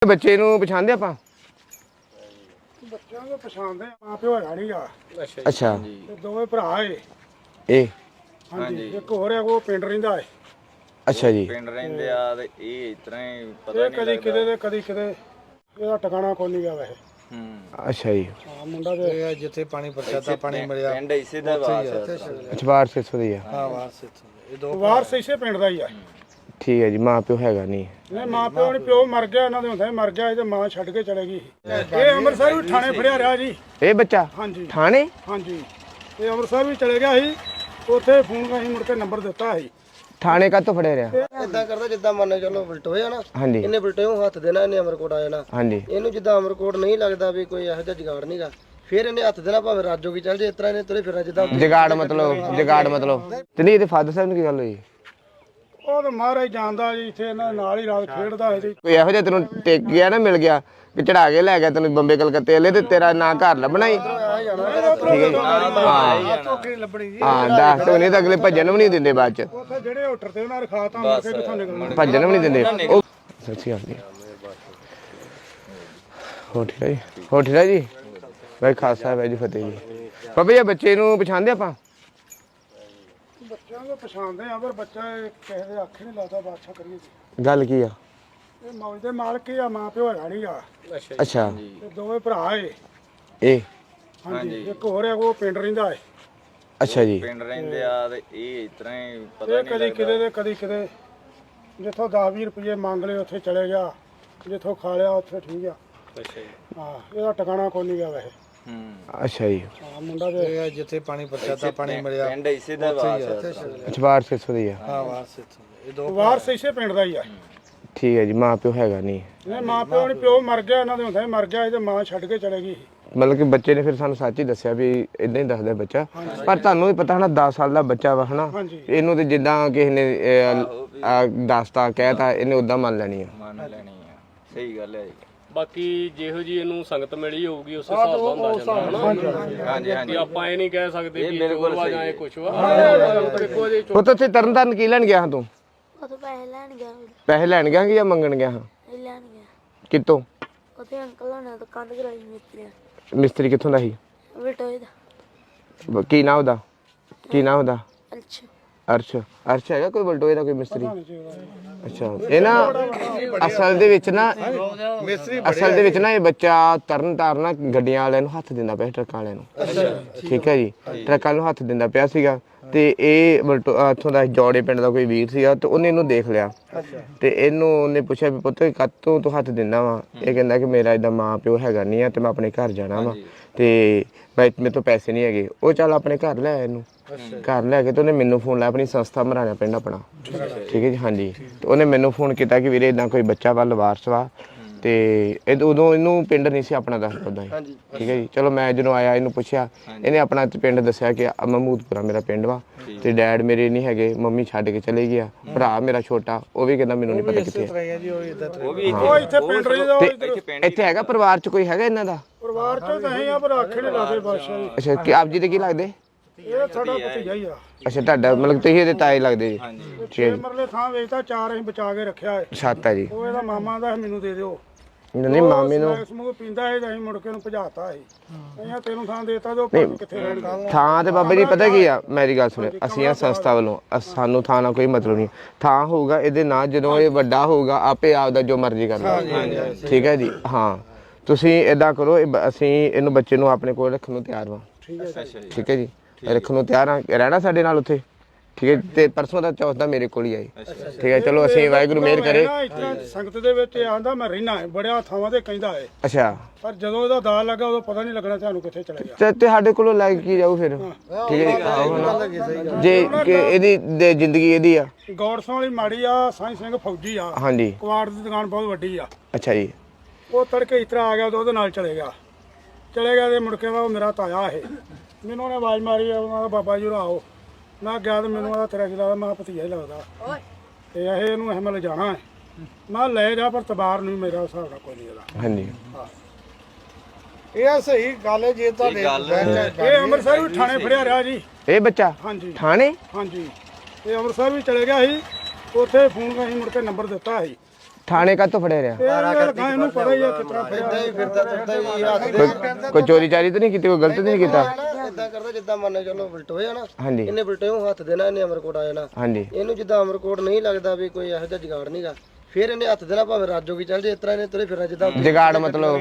ਬੱਚੇ ਨੂੰ ਪਛਾਣਦੇ ਆਪਾਂ? ਬੱਚਿਆਂ ਨੂੰ ਪਛਾਣਦੇ ਮਾਂ ਪਿਓ ਹੈਗਾ ਨਹੀਂਗਾ। ਅੱਛਾ ਤੇ ਦੋਵੇਂ ਭਰਾ ਏ। ਇਹ ਹਾਂਜੀ ਇੱਕ ਹੋਰ ਹੈ ਉਹ ਪਿੰਡ ਰਹਿੰਦਾ ਏ। ਅੱਛਾ ਜੀ ਪਿੰਡ ਰਹਿੰਦੇ ਆ ਤੇ ਇਹ ਇਸ ਤਰ੍ਹਾਂ ਹੀ ਪਤਾ ਇਹ ਨਹੀਂ ਕਦੀ ਕਿਤੇ ਤੇ ਕਦੀ ਕਿਤੇ ਇਹਦਾ ਟਿਕਾਣਾ ਕੋਈ ਨਹੀਂ ਗਿਆ ਵੈਸੇ। ਅੱਛਾ ਜੀ ਹਾਂ ਮੁੰਡਾ ਤੇ ਜਿੱਥੇ ਪਾਣੀ ਪ੍ਰਸ਼ਾਦਾ ਪਾਣੀ ਮਿਲਿਆ ਪਿੰਡ ਇਸੇ ਦਾ ਵਾਸ ਅਚਵਾਰ 600 ਦੀ ਆ। ਹਾਂ ਵਾਰਸ ਇਹ ਦੋ ਵਾਰਸ ਇਸੇ ਪਿੰਡ ਦਾ ਹੀ ਆ। ਠੀਕ ਹੈ ਜੀ ਮਾਂ ਪਿਓ ਹੈਗਾ ਨਹੀਂ? ਨਹੀਂ ਮਾਂ ਪਿਓ ਨਹੀਂ ਪਿਓ ਮਰ ਗਿਆ ਇਹਨਾਂ ਦੇ ਹੁੰਦੇ ਮਰ ਗਿਆ ਇਹ ਤੇ ਮਾਂ ਛੱਡ ਕੇ ਚਲੇ ਗਈ। ਇਹ ਅੰਮ੍ਰਿਤਸਰ ਵੀ ਥਾਣੇ ਫੜਿਆ ਰਿਹਾ ਜੀ। ਇਹ ਬੱਚਾ ਹਾਂਜੀ ਥਾਣੇ? ਹਾਂਜੀ ਇਹ ਅੰਮ੍ਰਿਤਸਰ ਵੀ ਚਲੇ ਗਿਆ ਸੀ ਉੱਥੇ ਫੋਨ ਕਰੀ ਮੁੜ ਕੇ ਨੰਬਰ ਦਿੱਤਾ ਸੀ। ਥਾਣੇ ਕਾਹਤੋਂ ਫੜਿਆ ਰਿਹਾ? ਇਦਾਂ ਕਰਦਾ ਜਿੱਦਾਂ ਮੰਨ ਚਲੋ ਬਲਟੋਏ ਆ ਨਾ ਹਾਂਜੀ ਇਹਨੇ ਬਲਟੋਏ ਹੱਥ ਦੇਣਾ ਇਹਨੇ ਅਮਰਕੋਟ ਆ ਜਾਣਾ ਹਾਂਜੀ ਇਹਨੂੰ ਜਿੱਦਾਂ ਅਮਰਕੋਟ ਨਹੀਂ ਲੱਗਦਾ ਵੀ ਕੋਈ ਇਹੋ ਜਿਹਾ ਜੁਗਾੜ ਨਹੀਂਗਾ ਫਿਰ ਇਹਨੇ ਹੱਥ ਦੇਣਾ ਭਾਵੇਂ ਰਾਜੋ ਕੀ ਚੱਲ ਜੇ ਇਸ ਤਰ੍ਹਾਂ ਇਹਨੇ ਤੁਰੇ ਫਿਰਨਾ ਜਿੱਦਾਂ ਜਗਾੜ ਮਤਲਬ ਤੇ ਨਹੀਂ ਇਹਦੇ ਫਾਦਰ ਸਾਹਿਬ ਨੂੰ ਕੀ ਗੱਲ ਹੋਈ? ਉਹ ਤਾਂ ਮਹਾਰਾਜ ਜਾਣਦਾ ਜੀ ਇੱਥੇ ਇਹਨਾਂ ਦੇ ਨਾਲ ਹੀ ਰਾਤ ਖੇਡਦਾ ਸੀ। ਕੋਈ ਇਹੋ ਜਿਹਾ ਤੈਨੂੰ ਟਿਕ ਗਿਆ ਨਾ ਮਿਲ ਗਿਆ ਕਿ ਚੜਾ ਕੇ ਲੈ ਗਿਆ ਤੈਨੂੰ ਬੰਬੇ ਕਲਕੱਤੇ ਵਾਲੇ ਤੇ ਤੇਰਾ ਨਾਂ ਘਰ ਲੱਭਣਾ ਹੀ? ਠੀਕ ਹੈ ਜੀ ਹਾਂ ਦੱਸ ਤੂੰ ਨਹੀਂ ਤਾਂ ਅਗਲੇ ਭੱਜਣ ਵੀ ਨਹੀਂ ਦਿੰਦੇ ਬਾਅਦ ਚ। ਉੱਥੇ ਜਿਹੜੇ ਹੋਟਲ ਤੇ ਉਹਨਾਂ ਰਖਾਤਾ ਮੁੜ ਕੇ ਕਿੱਥੋਂ ਨਿਕਲਣਾ। ਭੱਜਣ ਵੀ ਨਹੀਂ ਦਿੰਦੇ ਉਹ। ਸੱਚੀ ਗੱਲ ਨਹੀਂ ਹੋ ਠੀਕ ਹੈ ਜੀ ਹੋ ਠੀਕ ਹੈ ਜੀ ਭਾਈ ਖਾਲਸਾ ਵਾਹਿਗੁਰੂ ਜੀ ਫਤਿਹ ਜੀ। ਬਾਬਾ ਜੀ ਬੱਚੇ ਨੂੰ ਪਛਾਣਦੇ ਆਪਾਂ? ਬੱਚਿਆਂ ਨੂੰ ਪਛਾਣਦੇ ਆ ਪਰ ਬੱਚਾ ਕਿਸੇ ਦੇ ਅੱਖ ਨਹੀਂ ਲੱਗਦਾ ਬਾਦਸ਼ਾਹ ਕਰੀਏ ਜੀ। ਗੱਲ ਕੀ ਆ? ਇਹ ਮੌਜ ਦੇ ਮਾਲਕ ਹੀ ਆ ਮਾਂ ਪਿਓ ਹੈਗਾ ਨਹੀਂਗਾ। ਅੱਛਾ ਤੇ ਦੋਵੇਂ ਭਰਾ ਏ। ਇਹ ਹਾਂਜੀ ਇੱਕ ਹੋਰ ਹੈ ਉਹ ਪਿੰਡ ਰਹਿੰਦਾ ਏ। ਅੱਛਾ ਜੀ ਪਿੰਡ ਰਹਿੰਦੇ ਆ ਤੇ ਇਹ ਇਸ ਤਰ੍ਹਾਂ ਹੀ ਪਤਾ ਇਹ ਕਦੀ ਕਿਤੇ ਤੇ ਕਦੀ ਕਿਤੇ ਜਿੱਥੋਂ 10-20 ਰੁਪਏ ਮੰਗ ਲਏ ਉੱਥੇ ਚਲੇ ਗਿਆ ਜਿੱਥੋਂ ਖਾ ਲਿਆ ਉੱਥੇ ਠੀਕ ਆ। ਅੱਛਾ ਜੀ ਹਾਂ ਇਹਦਾ ਟਿਕਾਣਾ ਕੋਈ ਨਹੀਂ ਗਿਆ ਵੈਸੇ। ਅੱਛਾ ਜੀ ਹਾਂ ਮੁੰਡਾ ਤੇ ਜਿੱਥੇ ਪਾਣੀ ਪ੍ਰਸ਼ਾਦਾ ਪਾਣੀ ਮਿਲਿਆ ਪਿੰਡ ਇਸੇ ਦਾ ਵਾਸ ਅਚਵਾਰ 600 ਦੀ ਆ। ਹਾਂ ਵਾਰਸ ਇਹ ਦੋ ਵਾਰਸ ਇਸੇ ਪਿੰਡ ਦਾ ਹੀ ਆ। ਠੀਕ ਹੈ ਜੀ ਮਾਂ ਪਿਓ ਹੈਗਾ ਨਹੀਂ? ਨਹੀਂ ਮਾਂ ਪਿਓ ਨਹੀਂ ਪਿਓ ਮਰ ਗਿਆ ਇਹਨਾਂ ਦੇ ਹੁੰਦੇ ਮਰ ਗਿਆ ਇਹ ਤੇ ਮਾਂ ਛੱਡ ਕੇ ਚਲੇ ਗਈ। ਮਤਲਬ ਕਿ ਬੱਚੇ ਨੇ ਫਿਰ ਸਾਨੂੰ ਸੱਚ ਹੀ ਦੱਸਿਆ ਵੀ ਇਦਾਂ ਹੀ ਦੱਸਦਾ ਬੱਚਾ ਪਰ ਤੁਹਾਨੂੰ ਵੀ ਪਤਾ ਹਨਾ 10 ਸਾਲ ਦਾ ਬੱਚਾ ਵਾ ਹਨਾ ਇਹਨੂੰ ਤੇ ਜਿੱਦਾਂ ਕਿਸੇ ਨੇ ਦੱਸਤਾ ਕਹਿਤਾ ਇਹਨੇ ਉਦਾਂ ਮੰਨ ਲੈਣੀ ਆ। ਮੰਨ ਲੈਣੀ ਆ ਸਹੀ ਗੱਲ ਹੈ ਜੀ। ਬਾਕੀ ਜਿਹੋ ਜੀ ਇਹਨੂੰ ਸੰਗਤ ਮਿਲੀ ਹੋਊਗੀ ਉਸ ਹਿਸਾਬ ਦਾ ਹੁੰਦਾ ਜਾਂਦਾ ਹਨਾ। ਹਾਂਜੀ ਹਾਂਜੀ ਆਪਾਂ ਇਹ ਨਹੀਂ ਕਹਿ ਸਕਦੇ ਕਿ ਬਿਲਕੁਲ ਵਾ ਸਹੀ ਜਾਂ ਹੈ। ਇਹ ਕੁਛ ਵਾ ਦੇਖੋ ਜੀ। ਉਹ ਤਾਂ ਉੱਥੇ ਤਰਨ ਕੀ ਲੈਣ ਗਿਆ ਹਾਂ ਤੂੰ? ਉਦੋਂ ਪੈਸੇ ਲੈਣ ਗਿਆ ਪੈਸੇ ਲੈਣ ਗਿਆ ਕਿ ਜਾਂ ਮੰਗਣ ਗਿਆ ਹਾਂ? ਲੈਣ ਗਿਆ ਕਿੱਥੋਂ? ਉੱਥੇ ਅੰਕਲ ਹੋਣਾ ਤੋਂ ਕੰਧ ਕਰਾਈ ਮਿਸਤਰੀ ਮਿਸਤਰੀ ਕਿੱਥੋਂ ਦਾ ਸੀ? ਬਟੋਏ ਦਾ ਕੀ ਨਾਂ ਉਹਦਾ? ਕੀ ਨਾਂ ਉਹਦਾ? ਅੱਛਾ ਅਰਸ਼ ਹੈਗਾ ਕੋਈ ਬਲਟੋਏ ਦਾ ਕੋਈ ਮਿਸਤਰੀ? ਅੱਛਾ ਇਹ ਨਾ ਅਸਲ ਦੇ ਵਿੱਚ ਨਾ ਇਹ ਬੱਚਾ ਤਰਨ ਤਾਰਨ ਗੱਡੀਆਂ ਵਾਲਿਆਂ ਨੂੰ ਹੱਥ ਦਿੰਦਾ ਪਿਆ ਟਰੱਕਾਂ ਵਾਲਿਆਂ ਨੂੰ। ਠੀਕ ਹੈ ਜੀ ਟਰੱਕਾਂ ਨੂੰ ਹੱਥ ਦਿੰਦਾ ਪਿਆ ਸੀਗਾ ਤੇ ਇਹ ਇੱਥੋਂ ਦਾ ਜੋੜੇ ਪਿੰਡ ਦਾ ਕੋਈ ਵੀਰ ਸੀਗਾ ਤੇ ਉਹਨੇ ਇਹਨੂੰ ਦੇਖ ਲਿਆ ਤੇ ਉਹਨੇ ਪੁੱਛਿਆ ਵੀ ਪੁੱਤ ਕਾਹਤੋਂ ਤੂੰ ਹੱਥ ਦਿੰਦਾ ਵਾ? ਇਹ ਕਹਿੰਦਾ ਕਿ ਮੇਰਾ ਏਦਾਂ ਮਾਂ ਪਿਓ ਹੈਗਾ ਨਹੀਂ ਆ ਤੇ ਮੈਂ ਆਪਣੇ ਘਰ ਜਾਣਾ ਵਾ ਤੇ ਮੇਰੇ ਤੋਂ ਪੈਸੇ ਨਹੀਂ ਹੈਗੇ। ਉਹ ਚੱਲ ਆਪਣੇ ਘਰ ਲੈ ਆਇਆ ਇਹਨੂੰ। ਘਰ ਲੈ ਕੇ ਤੇ ਉਹਨੇ ਮੈਨੂੰ ਫੋਨ ਲਾਇਆ ਆਪਣੀ ਸੰਸਥਾ ਮਰਾਣਾ ਪਿੰਡ ਆਪਣਾ। ਠੀਕ ਹੈ ਜੀ ਹਾਂਜੀ ਤੇ ਉਹਨੇ ਮੈਨੂੰ ਫੋਨ ਕੀਤਾ ਕਿ ਵੀਰੇ ਇਦਾਂ ਕੋਈ ਬੱਚਾ ਵਾ ਲਵਾਰਸ ਵਾ ਤੇ ਉਦੋਂ ਇਹਨੂੰ ਪਿੰਡ ਨਹੀਂ ਸੀ ਆਪਣਾ ਦੱਸਦਾ ਸੀ। ਠੀਕ ਹੈ ਜੀ ਚਲੋ ਮੈਂ ਜਦੋਂ ਆਇਆ ਇਹਨੂੰ ਪੁੱਛਿਆ ਇਹਨੇ ਆਪਣਾ ਪਿੰਡ ਦੱਸਿਆ ਕਿ ਮਹਿਮੂਦਪੁਰਾ ਮੇਰਾ ਪਿੰਡ ਵਾ ਤੇ ਡੈਡ ਮੇਰੇ ਨਹੀਂ ਹੈਗੇ ਮੰਮੀ ਛੱਡ ਕੇ ਚਲੇ ਗਿਆ ਭਰਾ ਮੇਰਾ ਛੋਟਾ ਉਹ ਵੀ ਕਹਿੰਦਾ ਮੈਨੂੰ ਨਹੀਂ ਪਤਾ ਕਿੱਥੇ ਉਹ ਇੱਥੇ ਪਿੰਡ ਰਹਿੰਦਾ ਤੇ ਇੱਥੇ ਹੈਗਾ ਪਰਿਵਾਰ ਚ ਕੋਈ ਹੈਗਾ ਇਹਨਾਂ ਦਾ? ਪਰਿਵਾਰ ਚੋਂ ਤਾਂ ਅਸੀਂ ਆ ਪਰ ਅੱਖ ਨਹੀਂ ਲੱਗਦੇ ਬਾਦਸ਼ਾਹ ਜੀ। ਅੱਛਾ ਕਿ ਆਪ ਜੀ ਦੇ ਕੀ ਲੱਗਦੇ? ਇਹ ਸਾਡਾ ਭਤੀਜਾ ਹੀ ਆ। ਅੱਛਾ ਤੁਹਾਡਾ ਮਤਲਬ ਤੁਸੀਂ ਇਹਦੇ ਤਾਏ ਲੱਗਦੇ ਜੀ? ਛੇ ਮਰਲੇ ਥਾਂ ਵੇਚਦਾ 4 ਅਸੀਂ ਬਚਾ ਕੇ ਰੱਖਿਆ ਹੈ। ਸੱਤ ਹੈ ਜੀ। ਉਹ ਇਹਦਾ ਮਾਮਾ ਦਾ ਮੈਨੂੰ ਦੇ ਦਿਓ। ਨਹੀਂ ਮਾਮੇ ਨੂੰ ਸਮੂਹ ਪੀਂਦਾ ਹੈ ਅਸੀਂ ਮੁੜ ਕੇ ਉਹਨੂੰ ਭਜਾਤਾ ਸੀ। ਅਸੀਂ ਤੈਨੂੰ ਥਾਂ ਦੇਤਾ ਤੇ ਉਹ ਭਾਵੇਂ ਕਿੱਥੇ ਰਹਿਣਗੇ। ਥਾਂ ਤੇ ਬਾਬਾ ਜੀ ਪਤਾ ਕੀ ਆ ਮੇਰੀ ਗੱਲ ਸੁਣੋ ਅਸੀਂ ਆ ਸੰਸਥਾ ਵੱਲੋਂ ਸਾਨੂੰ ਥਾਂ ਨਾਲ ਕੋਈ ਮਤਲਬ ਨਹੀਂ। ਥਾਂ ਹੋਊਗਾ ਇਹਦੇ ਨਾਲ ਜਦੋਂ ਇਹ ਵੱਡਾ ਹੋਊਗਾ ਆਪੇ ਆਪਦਾ ਜੋ ਮਰਜ਼ੀ ਕਰਨਾ। ਠੀਕ ਹੈ ਜੀ ਹਾਂ ਤੁਸੀਂ ਇਦਾਂ ਕਰੋ ਅਸੀਂ ਇਹਨੂੰ ਬੱਚੇ ਨੂੰ ਆਪਣੇ ਕੋਲ ਰੱਖਣ ਨੂੰ ਤਿਆਰ ਵਾਂ। ਠੀਕ ਹੈ ਜੀ ਰੱਖਣ ਨੂੰ ਤਿਆਰ ਆ ਰਹਿਣਾ ਸਾਡੇ ਨਾਲ ਉੱਥੇ। ਠੀਕ ਹੈ ਤੇ ਪਰਸੋਂ ਦਾ ਚੌਥ ਦਾ ਮੇਰੇ ਕੋਲ ਹੀ ਆਈ। ਠੀਕ ਹੈ ਚਲੋ ਅਸੀਂ ਵਾਹਿਗੁਰੂ ਮਿਹਰ ਕਰੇ। ਸੰਗਤ ਦੇ ਵਿੱਚ ਆਂਦਾ ਮੈਂ ਰਹਿਣਾ ਹੈ ਬੜਿਆ ਥਾਵਾਂ ਤੇ ਕਹਿੰਦਾ ਹੈ ਅੱਛਾ ਪਰ ਜਦੋਂ ਇਹਦਾ ਦਾਲ ਲੱਗਾ ਉਦੋਂ ਪਤਾ ਨਹੀਂ ਲੱਗਣਾ ਤੁਹਾਨੂੰ ਕਿੱਥੇ ਚਲੇ ਗਿਆ। ਤੇ ਸਾਡੇ ਕੋਲੋਂ ਲੈ ਕੇ ਜਾਊ ਫਿਰ? ਠੀਕ ਹੈ ਜੇ ਕਿ ਇਹਦੀ ਜ਼ਿੰਦਗੀ ਇਹਦੀ ਆ। ਗੌਰਸਾਂ ਵਾਲੀ ਮਾੜੀ ਆ ਸਾਈਂ ਸਿੰਘ ਫੌਜੀ ਆ। ਹਾਂਜੀ ਕੁਆੜ ਦੀ ਦੁਕਾਨ ਬਹੁਤ ਵੱਡੀ ਆ। ਅੱਛਾ ਜੀ ਉਹ ਤੜਕੇ ਇਸ ਤਰ੍ਹਾਂ ਆ ਗਿਆ ਉਹਦੇ ਨਾਲ ਚਲੇ ਗਿਆ ਤੇ ਮੁੜ ਕੇ ਉਹ ਮੇਰਾ ਤਾਇਆ ਇਹ ਮੈਨੂੰ ਉਹਨੇ ਆਵਾਜ਼ ਮਾਰੀ ਉਹਨਾਂ ਦਾ ਬਾਬਾ ਜੀ ਆਓ। ਮੈਂ ਗਿਆ ਤੇ ਮੈਨੂੰ ਉਹਦਾ ਤੇਰਾ ਕੀ ਲੱਗਦਾ? ਮੈਂ ਭਤੀਜਾ ਹੀ ਲੱਗਦਾ ਤੇ ਇਹ ਇਹਨੂੰ ਅਹਿਮਲ ਜਾਣਾ ਹੈ। ਮੈਂ ਲੈ ਜਾ ਪਰ ਤਬਾਰ ਨਹੀਂ ਮੇਰਾ ਹਿਸਾਬ ਨਾਲ ਕੋਈ ਨਹੀਂ ਇਹਦਾ। ਹਾਂਜੀ ਇਹ ਸਹੀ ਗੱਲ ਹੈ ਜੇ ਤੁਹਾਡੇ ਇਹ ਅੰਮ੍ਰਿਤਸਰ ਵੀ ਥਾਣੇ ਫੜਿਆ ਰਿਹਾ ਜੀ। ਇਹ ਬੱਚਾ ਹਾਂਜੀ ਥਾਣੇ? ਹਾਂਜੀ ਇਹ ਅੰਮ੍ਰਿਤਸਰ ਵੀ ਚਲੇ ਗਿਆ ਸੀ ਉੱਥੇ ਫੋਨ ਕਰੀ ਮੁੜ ਕੇ ਨੰਬਰ ਦਿੱਤਾ ਸੀ। ਥਾਣੇ ਕਾਹਤੋਂ ਫੜਿਆ ਰਿਹਾ? ਇਹ ਲਗਾ ਇਹਨੂੰ ਪਤਾ ਹੀ ਆ ਕਿਤਨਾ ਇਦਾਂ ਹੀ ਫਿਰਦਾ ਤੁਰਦਾ ਹੀ ਹੱਥ ਦੇ ਕੋਈ ਚੋਰੀ ਚਾਰੀ ਤਾਂ ਨਹੀਂ ਕੀਤੀ, ਕੋਈ ਗਲਤ ਤਾਂ ਨਹੀਂ ਕੀਤਾ? ਇਦਾਂ ਕਰਦਾ ਜਿੱਦਾਂ ਮੰਨ ਚਲੋ ਬਲਟੋ ਹੋਇਆ ਨਾ, ਹਾਂਜੀ ਇਹਨੇ ਬਲਟੋ ਹੱਥ ਦੇਣਾ, ਇਹਨੇ ਅਮਰਕੋਟ ਆ ਜਾਣਾ। ਹਾਂਜੀ ਇਹਨੂੰ ਜਿੱਦਾਂ ਅਮਰਕੋਟ ਨਹੀਂ ਲੱਗਦਾ ਵੀ ਕੋਈ ਇਹੋ ਜਿਹਾ ਜੁਗਾੜ ਨਹੀਂਗਾ, ਫਿਰ ਇਹਨੇ ਹੱਥ ਦੇਣਾ, ਭਾਵੇਂ ਰਾਜੋਗੀ ਚੱਲ ਜੇ, ਇਸ ਤਰ੍ਹਾਂ ਇਹਨੇ ਤੁਰੇ ਫਿਰਨਾ ਜਿੱਦਾਂ ਜਗਾੜ ਮਤਲਬ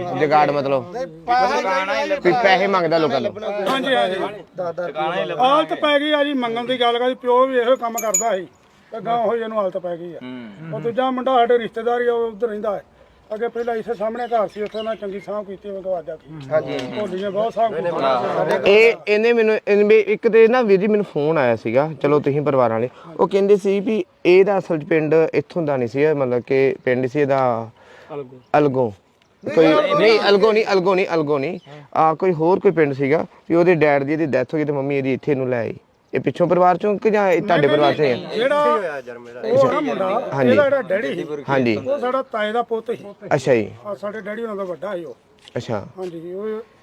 ਵੀ ਪੈਸੇ ਮੰਗਦਾ ਲੋਕਾਂ ਨੂੰ। ਹਾਂਜੀ ਹਾਂਜੀ ਦਾਦਾ ਹਾਲਤ ਪੈ ਗਈ ਆ ਜੀ, ਮੰਗਣ ਦੀ ਗੱਲ ਕਰਦੀ, ਪਿਓ ਵੀ ਇਹੋ ਕੰਮ ਕਰਦਾ ਸੀ ਤੇ ਗਾਂ ਹੋਈ ਇਹਨੂੰ ਹਾਲਤ ਪੈ ਗਈ ਆ। ਉਹ ਦੂਜਾ ਮੁੰਡਾ ਸਾਡੇ ਰਿਸ਼ਤੇਦਾਰ ਹੀ ਆ, ਉਹ ਉੱਧਰ ਰਹਿੰਦਾ ਹੈ ਅੱਗੇ, ਪਹਿਲਾਂ ਇਸੇ ਸਾਹਮਣੇ ਘਰ ਸੀ, ਉੱਥੇ ਨਾ ਚੰਗੀ ਸਾਂਭ ਕੀਤੀ, ਉਹ ਗਵਾਜਾ ਕੀ ਹਾਂਜੀ ਭੋਲੀਆਂ ਬਹੁਤ ਸਾਂਭ ਕੀਤੀ। ਇਹਨੇ ਮੈਨੂੰ ਇੱਕ ਤੇ ਨਾ ਵੀਰ ਜੀ ਮੈਨੂੰ ਫੋਨ ਆਇਆ ਸੀਗਾ, ਚਲੋ ਤੁਸੀਂ ਪਰਿਵਾਰਾਂ ਵਾਲੇ, ਉਹ ਕਹਿੰਦੇ ਸੀ ਵੀ ਇਹਦਾ ਅਸਲ 'ਚ ਪਿੰਡ ਇੱਥੋਂ ਦਾ ਨਹੀਂ ਸੀ, ਮਤਲਬ ਕਿ ਪਿੰਡ ਸੀ ਇਹਦਾ ਅਲਗੋਂ, ਕੋਈ ਨਹੀਂ ਅਲਗੋਂ ਨਹੀਂ ਕੋਈ ਹੋਰ ਕੋਈ ਪਿੰਡ ਸੀਗਾ ਵੀ ਉਹਦੇ ਡੈਡ ਦੀ ਇਹਦੀ ਡੈਥ ਹੋ ਗਈ ਤੇ ਮੰਮੀ ਇਹਦੀ ਇੱਥੇ ਨੂੰ ਲੈ ਆਈ। ਇਹ ਪਿੱਛੋਂ ਪਰਿਵਾਰ ਚੋਂ ਕਿ ਜਾਂ ਇਹ ਤੁਹਾਡੇ ਪਰਿਵਾਰ ਚੋਂ ਹੀ ਆ? ਜਿਹੜਾ ਉਹ ਨਾ ਮੁੰਡਾ ਇਹਦਾ ਜਿਹੜਾ ਡੈਡੀ ਸੀ, ਹਾਂਜੀ ਉਹ ਸਾਡਾ ਤਾਏ ਦਾ ਪੁੱਤ ਸੀ। ਅੱਛਾ ਜੀ ਆ ਸਾਡੇ ਡੈਡੀ ਉਹਨਾਂ ਦਾ ਵੱਡਾ ਸੀ ਉਹ। ਅੱਛਾ ਹਾਂਜੀ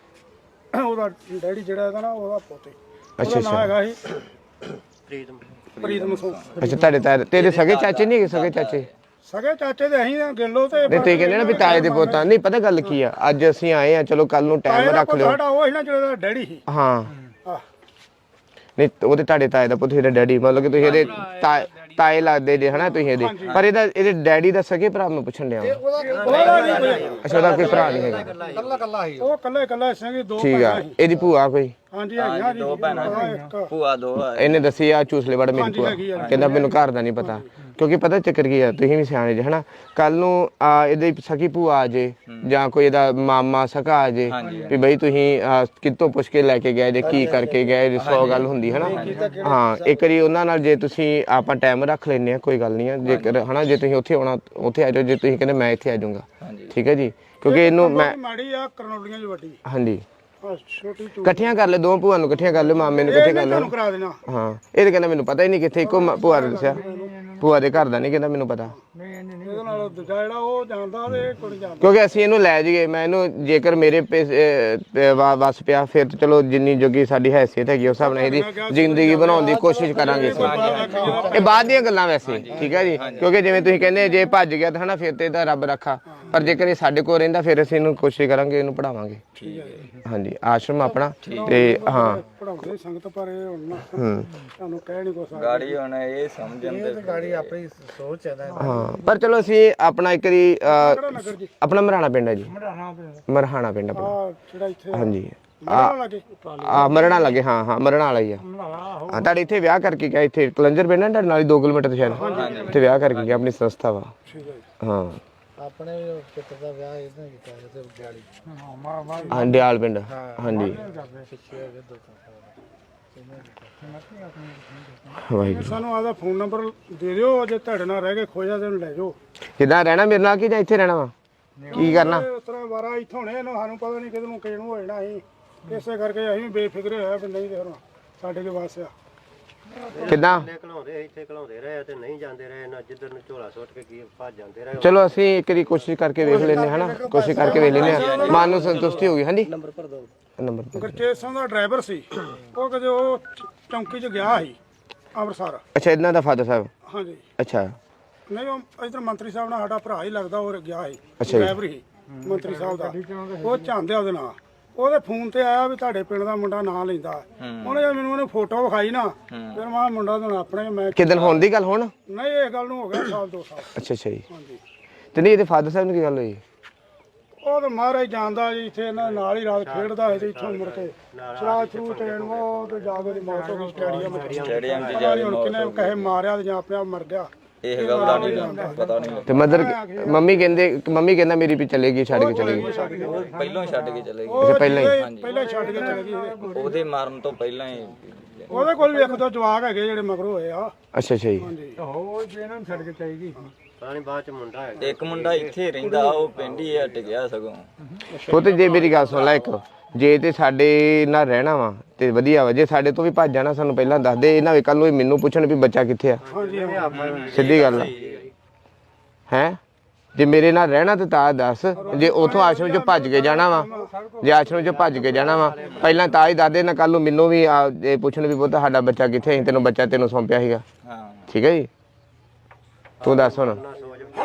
ਉਹਦਾ ਡੈਡੀ ਜਿਹੜਾ ਇਹਦਾ ਨਾ ਉਹਦਾ ਪੁੱਤ ਸੀ। ਅੱਛਾ ਉਹਦਾ ਨਾਂ ਹੈਗਾ ਸੀ ਪ੍ਰੀਤਮ ਸਿੰਘ। ਅੱਛਾ ਤੁਹਾਡੇ ਤਾਏ ਤੇਰੇ ਸਗੇ ਚਾਚੇ ਨਹੀਂ ਹੈਗੇ? ਸਗੇ ਚਾਚੇ ਸਗੇ ਚਾਚੇ ਦੇ ਅਸੀਂ ਗਿੱਲੋ ਤੇ ਨਹੀਂ, ਤੁਸੀਂ ਕਹਿੰਦੇ ਨਾ ਵੀ ਤਾਏ ਦੇ ਪੋਤਾ ਨਹੀਂ, ਪਤਾ ਗੱਲ ਕੀ ਆ, ਅੱਜ ਅਸੀਂ ਆਏ ਆ, ਚਲੋ ਕੱਲ ਨੂੰ ਟਾਈਮ ਰੱਖ ਲਿਓ। ਸਾਡਾ ਉਹ ਸੀ ਨਾ ਜਿਹੜਾ ਡੈਡੀ ਸੀ। ਹਾਂ ਆਹ ਨਹੀਂ, ਉਹਦੇ ਤੁਹਾਡੇ ਤਾਏ ਦਾ ਪੁੱਤ ਇਹਦਾ ਡੈਡੀ, ਮਤਲਬ ਕਿ ਤੁਸੀਂ ਇਹਦੇ ਤਾਏ ਲੱਗਦੇ ਜੇ ਹਨਾ ਤੁਸੀਂ ਇਹਦੇ, ਪਰ ਇਹਦੇ ਡੈਡੀ ਦਾ ਸਗੇ ਭਰਾ ਮੈਂ ਪੁੱਛਣ ਡਿਆ ਵਾਂ। ਉਹਦਾ ਨਹੀਂ ਕੋਈ, ਅੱਛਾ ਉਹਦਾ ਕੋਈ ਭਰਾ ਨਹੀਂ ਹੈਗਾ? ਉਹ ਕੱਲਾ ਸਿੰਘ ਦੋ ਠੀਕ ਆ। ਇਹਦੀ ਭੂਆ ਕੋਈ? ਹਾਂਜੀ ਹੈਗੀਆਂ ਜੀ, ਦੋ ਭੈਣਾਂ ਇੱਕ ਭੂਆ ਦੋ ਆ। ਇਹਨੇ ਦੱਸੀ ਆ ਚੂਸਲੇ ਵੜ ਮੇਰੀ ਭੂਆ, ਕਹਿੰਦਾ ਮੈਨੂੰ ਘਰ ਦਾ ਨਹੀਂ ਪਤਾ, ਕਿਉਂਕਿ ਪਤਾ ਚੱਕਰ ਕੀ ਆ, ਤੁਸੀਂ ਵੀ ਸਿਆਣੇ ਜੇ ਹਨਾ, ਕੱਲ ਨੂੰ ਇਹਦੀ ਸਕੀ ਭੂਆ ਆ ਜੇ ਜਾਂ ਕੋਈ ਇਹਦਾ ਮਾਮਾ ਸਕਾ ਆ ਜੇ ਵੀ ਬਈ ਤੁਸੀਂ ਕਿੱਥੋਂ ਪੁੱਛ ਕੇ ਲੈ ਕੇ ਗਏ ਜੇ, ਕੀ ਕਰਕੇ ਗਏ, 100 ਗੱਲ ਹੁੰਦੀ ਹਨਾ। ਹਾਂ ਇੱਕ ਵਾਰੀ ਉਹਨਾਂ ਨਾਲ ਜੇ ਤੁਸੀਂ ਆਪਾਂ ਟਾਈਮ ਰੱਖ ਲੈਨੇ ਆ, ਕੋਈ ਗੱਲ ਨਹੀਂ ਆ, ਜੇਕਰ ਹਨਾ ਜੇ ਤੁਸੀਂ ਉੱਥੇ ਆਉਣਾ ਉੱਥੇ ਆ ਜਾਓ, ਜੇ ਤੁਸੀਂ ਕਹਿੰਦੇ ਮੈਂ ਇੱਥੇ ਆ ਜਾਊਂਗਾ, ਠੀਕ ਹੈ ਜੀ, ਕਿਉਂਕਿ ਇਹਨੂੰ ਮੈਂ ਮਾੜੀ ਆ ਕਰਨੌਲੀਆਂ 'ਚ ਵੱਡੀ ਹਾਂਜੀ ਛੋਟੀ ਇਕੱਠੀਆਂ ਕਰ ਲੈ, ਦੋ ਭੂਆ ਨੂੰ ਇਕੱਠੀਆਂ ਕਰ ਲੈ, ਮਾਮੇ ਨੂੰ ਇਕੱਠੇ ਕਰ ਲੈ। ਤੁਹਾਨੂੰ ਕਰਾ ਦੇਣਾ। ਹਾਂ ਇਹ ਤਾਂ ਕਹਿੰਦਾ ਮੈਨੂੰ ਪਤਾ ਹੀ ਨਹੀਂ ਕਿੱਥੇ, ਇੱਕੋ ਭੂਆ ਨੇ ਦੱਸਿਆ, ਭੂਆ ਦੇ ਘਰ ਦਾ ਨਹੀਂ ਕਹਿੰਦਾ ਮੈਨੂੰ ਪਤਾ, ਇਹਦੇ ਨਾਲ ਦੂਜਾ ਜਿਹੜਾ ਉਹ ਜਾਣਦਾ ਤੇ ਕੋਈ ਜਾਣਦਾ। ਕਿਉਂਕਿ ਅਸੀਂ ਇਹਨੂੰ ਲੈ ਜਾਈਏ, ਮੈਂ ਇਹਨੂੰ ਜੇਕਰ ਮੇਰੇ ਵਸ ਪਿਆ ਫਿਰ ਤਾਂ ਚਲੋ ਜਿੰਨੀ ਜੋਗੀ ਸਾਡੀ ਹੈਸੀਅਤ ਹੈਗੀ ਉਸ ਹਿਸਾਬ ਨਾਲ ਇਹਦੀ ਜ਼ਿੰਦਗੀ ਬਣਾਉਣ ਦੀ ਕੋਸ਼ਿਸ਼ ਕਰਾਂਗੇ ਅਸੀਂ। ਇਹ ਬਾਅਦ ਦੀਆਂ ਗੱਲਾਂ ਵੈਸੇ, ਠੀਕ ਹੈ ਜੀ, ਕਿਉਂਕਿ ਜਿਵੇਂ ਤੁਸੀਂ ਕਹਿੰਦੇ ਜੇ ਭੱਜ ਗਿਆ ਤਾਂ ਹਨਾ ਫਿਰ ਤੇ ਇਹਦਾ ਰੱਬ ਰੱਖਾ, ਪਰ ਜੇਕਰ ਇਹ ਸਾਡੇ ਕੋਲ ਰਹਿੰਦਾ ਫਿਰ ਅਸੀਂ ਇਹਨੂੰ ਕੋਸ਼ਿਸ਼ ਕਰਾਂਗੇ, ਇਹਨੂੰ ਪੜਾਵਾਂਗੇ। ਹਾਂਜੀ ਆਸ਼ਰਮ ਆਪਣਾ ਤੇ ਹਾਂ ਪੜਾਉਂਦੇ ਸੰਗਤ ਪਰ ਇਹ ਹੁਣ ਨਾ ਤੁਹਾਨੂੰ ਕਹਿ ਨਹੀਂ ਕੁਛ ਗਾੜੀ ਹੁਣ ਇਹ ਸਮਝਣ ਦੇ ਗਾੜੀ ਆਪਣੀ ਸੋਚ ਹੈ ਨਾ। ਹਾਂ ਪਰ ਚਲੋ ਅਸੀਂ ਆਪਣਾ ਇੱਕ ਵਾਰੀ ਨਗਰ ਜੀ ਆਪਣਾ ਮਰਹਾਣਾ ਪਿੰਡ ਹੈ ਜੀ, ਮਰਹਾਣਾ ਪਿੰਡ ਆਪਣਾ, ਆ ਜਿਹੜਾ ਇੱਥੇ ਹਾਂਜੀ ਲਾਗੇ ਮਰਣਾ ਲੱਗੇ, ਹਾਂ ਮਰਣਾ ਵਾਲਾ ਹੀ ਆ। ਹਾਂ ਤੁਹਾਡੇ ਇੱਥੇ ਵਿਆਹ ਕਰਕੇ ਗਿਆ, ਇੱਥੇ ਕਲੰਜਰ ਪਿੰਡ ਹੈ ਤੁਹਾਡੇ ਨਾਲ 2 ਕਿਲੋਮੀਟਰ ਤੇ ਸ਼ਾਇਦ, ਇੱਥੇ ਵਿਆਹ ਕਰਕੇ ਗਿਆ, ਆਪਣੀ ਸੰਸਥਾ ਵਾ। ਹਾਂ ਆਪਣੇ ਪੁੱਤਰ ਦਾ ਵਿਆਹ ਇਹਨਾਂ ਕੀਤਾ ਤੇ ਦਿਹਾੜੀ ਹਾਂ ਡਿਆਲ ਪਿੰਡ, ਹਾਂਜੀ ਵਾਹਿਗੁਰੂ। ਸਾਨੂੰ ਆਦਾ ਫੋਨ ਨੰਬਰ ਦੇ ਦਿਓ, ਜੇ ਤੁਹਾਡੇ ਨਾਲ ਰਹਿ ਕੇ ਖੋਜਾ ਤੇ ਉਹਨੂੰ ਲੈ ਜਾਓ। ਕਿੱਦਾਂ ਰਹਿਣਾ ਮੇਰੇ ਨਾਲ ਕਿ ਜਾਂ ਇੱਥੇ ਰਹਿਣਾ ਵਾ, ਕੀ ਕਰਨਾ? ਇਸ ਤਰ੍ਹਾਂ ਵਾਰਾ ਇੱਥੋਂ ਨੇ ਇਹਨੂੰ ਸਾਨੂੰ ਪਤਾ ਨਹੀਂ ਕਿਹਨੂੰ ਕਿਹਨੂੰ ਹੋ ਜਾਣਾ ਸੀ, ਇਸੇ ਕਰਕੇ ਅਸੀਂ ਵੀ ਬੇਫਿਕਰੇ ਹੋਇਆ ਵੀ ਨਹੀਂ ਤੇ ਹੁਣ ਸਾਡੇ ਕੇ ਵਾਸ ਆ। ਕਿੱਦਾਂ ਘਲਾਉਂਦੇ ਇੱਥੇ ਘਲਾਉਂਦੇ ਰਹੇ ਤੇ ਨਹੀਂ ਜਾਂਦੇ ਰਹੇ ਨਾ, ਜਿੱਧਰ ਨੂੰ ਝੋਲਾ ਸੁੱਟ ਕੇ ਕੀ ਭੱਜ ਜਾਂਦੇ ਰਹੇ। ਚਲੋ ਅਸੀਂ ਇੱਕ ਵਾਰੀ ਕੋਸ਼ਿਸ਼ ਕਰਕੇ ਵੇਖ ਲੈਂਦੇ ਹਨਾ, ਕੋਸ਼ਿਸ਼ ਕਰਕੇ ਵੇਖ ਲੈਂਦੇ ਆ, ਮਨ ਨੂੰ ਸੰਤੁਸ਼ਟੀ ਹੋ ਗਈ। ਹਾਂਜੀ ਨੰਬਰ ਭਰ ਦੋ। ਨੰਬਰ ਗੁਰਚੇਤ ਸਿੰਘ ਦਾ ਡਰਾਈਵਰ ਸੀ, ਉਹ ਕਦੇ ਉਹ ਚੌਂਕੀ 'ਚ ਗਿਆ ਸੀ ਅੰਮ੍ਰਿਤਸਰ। ਅੱਛਾ ਇਹਨਾਂ ਦਾ ਫਾਦਰ ਸਾਹਿਬ? ਹਾਂਜੀ ਅੱਛਾ ਨਹੀਂ ਉਹ ਇੱਧਰ ਮੰਤਰੀ ਸਾਹਿਬ ਨਾਲ ਸਾਡਾ ਭਰਾ ਹੀ ਲੱਗਦਾ, ਉਹ ਗਿਆ ਸੀ ਅੱਛਾ ਜੀ। ਡਰਾਈਵਰ ਹੀ ਮੰਤਰੀ ਸਾਹਿਬ ਦਾ, ਉਹ ਚਾਹੁੰਦੇ ਉਹਦੇ ਨਾਲ, ਉਹਦੇ ਫੋਨ ਤੇ ਆਇਆ ਵੀ ਤੁਹਾਡੇ ਪਿੰਡ ਦਾ ਮੁੰਡਾ ਨਾਂ ਲੈਂਦਾ। ਉਹਨੇ ਜਦ ਮੈਨੂੰ ਉਹਨੇ ਫੋਟੋ ਵਿਖਾਈ ਨਾ, ਫਿਰ ਮੈਂ ਮੁੰਡਾ ਤਾਂ ਆਪਣੇ ਮੈਂ ਕਿਦਨ ਹੋਣ ਦੀ ਗੱਲ ਹੁਣ? ਨਹੀਂ ਇਹ ਗੱਲ ਨੂੰ ਹੋ ਗਿਆ ਸਾਲ 2 ਸਾਲ। ਅੱਛਾ ਅੱਛਾ ਜੀ। ਹਾਂਜੀ ਤੇ ਨਹੀਂ ਇਹਦੇ ਫਾਦਰ ਸਾਹਿਬ ਨੂੰ ਕੀ ਗੱਲ ਹੋਈ? ਉਹ ਤਾਂ ਮਹਾਰਾਜ ਜਾਣਦਾ ਜੀ, ਇੱਥੇ ਇਹਨਾਂ ਨਾਲ ਹੀ ਰਾਤ ਖੇਡਦਾ ਸੀ ਤੇ ਇੱਥੋਂ ਮੁੜ ਕੇ ਸ਼ਰਾਬ ਸ਼ਰੂ ਟ੍ਰੇਨ ਉਹ ਤੇ ਜਾ ਕੇ ਦੀ ਮੌਤ ਹੋ ਗਈ ਸਟੇਡੀਅਮ 'ਚ। ਸਟੇਡੀਅਮ 'ਚ ਪਤਾ ਨੀ ਹੁਣ ਕਿਨੇ ਕਹੇ ਮਾਰਿਆ ਤੇ ਜਾਂ ਆਪਣੇ ਆਪ ਮਰ ਗਿਆ, ਇਹ ਗੱਲ ਦਾ ਨਹੀਂ ਪਤਾ ਨਹੀਂ ਤੇ ਮਦਰ ਮੰਮੀ ਕਹਿੰਦਾ ਮੇਰੀ ਵੀ ਚਲੇਗੀ, ਛੱਡ ਕੇ ਚਲੇਗੀ। ਪਹਿਲਾਂ ਹੀ ਛੱਡ ਕੇ ਚਲੇ ਗਏ, ਉਹ ਪਹਿਲਾਂ ਹੀ? ਪਹਿਲਾਂ ਹੀ ਛੱਡ ਕੇ ਚਲੇ ਗਈ ਇਹ। ਉਹਦੇ ਮਾਰਨ ਤੋਂ ਪਹਿਲਾਂ ਹੀ। ਉਹਦੇ ਕੋਲ ਵੀ ਇੱਕ ਦੋ ਜਵਾਕ ਹੈਗੇ ਜਿਹੜੇ ਮਗਰੋਂ ਹੋਏ ਆ। ਅੱਛਾ ਅੱਛਾ ਜੀ। ਹਾਂਜੀ ਉਹ ਇਹਨਾਂ ਨੂੰ ਛੱਡ ਕੇ ਚਾਹੀਦੀ ਪਾਣੀ ਬਾਅਦ ਚ ਮੁੰਡਾ ਹੈ ਇੱਕ ਮੁੰਡਾ ਇੱਥੇ ਰਹਿੰਦਾ, ਉਹ ਪਿੰਡ ਹੀ ਹਟ ਗਿਆ ਸਗੋਂ। ਉਹ ਤੇ ਜੇ ਮੇਰੀ ਗੱਲ ਸੁਣ ਲੈ ਇੱਕ, ਜੇ ਤੇ ਸਾਡੇ ਨਾਲ ਰਹਿਣਾ ਵਾ ਤੇ ਵਧੀਆ ਵਾ, ਜੇ ਸਾਡੇ ਤੋਂ ਵੀ ਭੱਜ ਜਾਣਾ ਸਾਨੂੰ ਪਹਿਲਾਂ ਦੱਸ ਦੇ, ਇਹਨਾਂ ਵੇ ਕੱਲ ਨੂੰ ਮੈਨੂੰ ਪੁੱਛਣ ਵੀ ਬੱਚਾ ਕਿੱਥੇ ਆ। ਸਿੱਧੀ ਗੱਲ ਹੈ, ਜੇ ਮੇਰੇ ਨਾਲ ਰਹਿਣਾ ਤੇ ਤਾਂ ਦੱਸ, ਜੇ ਉਥੋਂ ਆਸ਼ਰਮ ਚੋਂ ਭੱਜ ਕੇ ਜਾਣਾ ਵਾ, ਜੇ ਆਸ਼ਰਮ ਚੋਂ ਭੱਜ ਕੇ ਜਾਣਾ ਵਾ ਪਹਿਲਾਂ ਤਾਂ ਹੀ ਦੱਸ ਦੇ ਨਾ, ਕੱਲ ਨੂੰ ਮੈਨੂੰ ਵੀ ਪੁੱਛਣ ਵੀ ਪੁੱਤ ਸਾਡਾ ਬੱਚਾ ਕਿੱਥੇ, ਤੈਨੂੰ ਬੱਚਾ ਤੈਨੂੰ ਸੌਂਪਿਆ ਸੀਗਾ। ਹਾਂ ਠੀਕ ਹੈ ਜੀ, ਤੂੰ ਦੱਸ ਹੁਣ।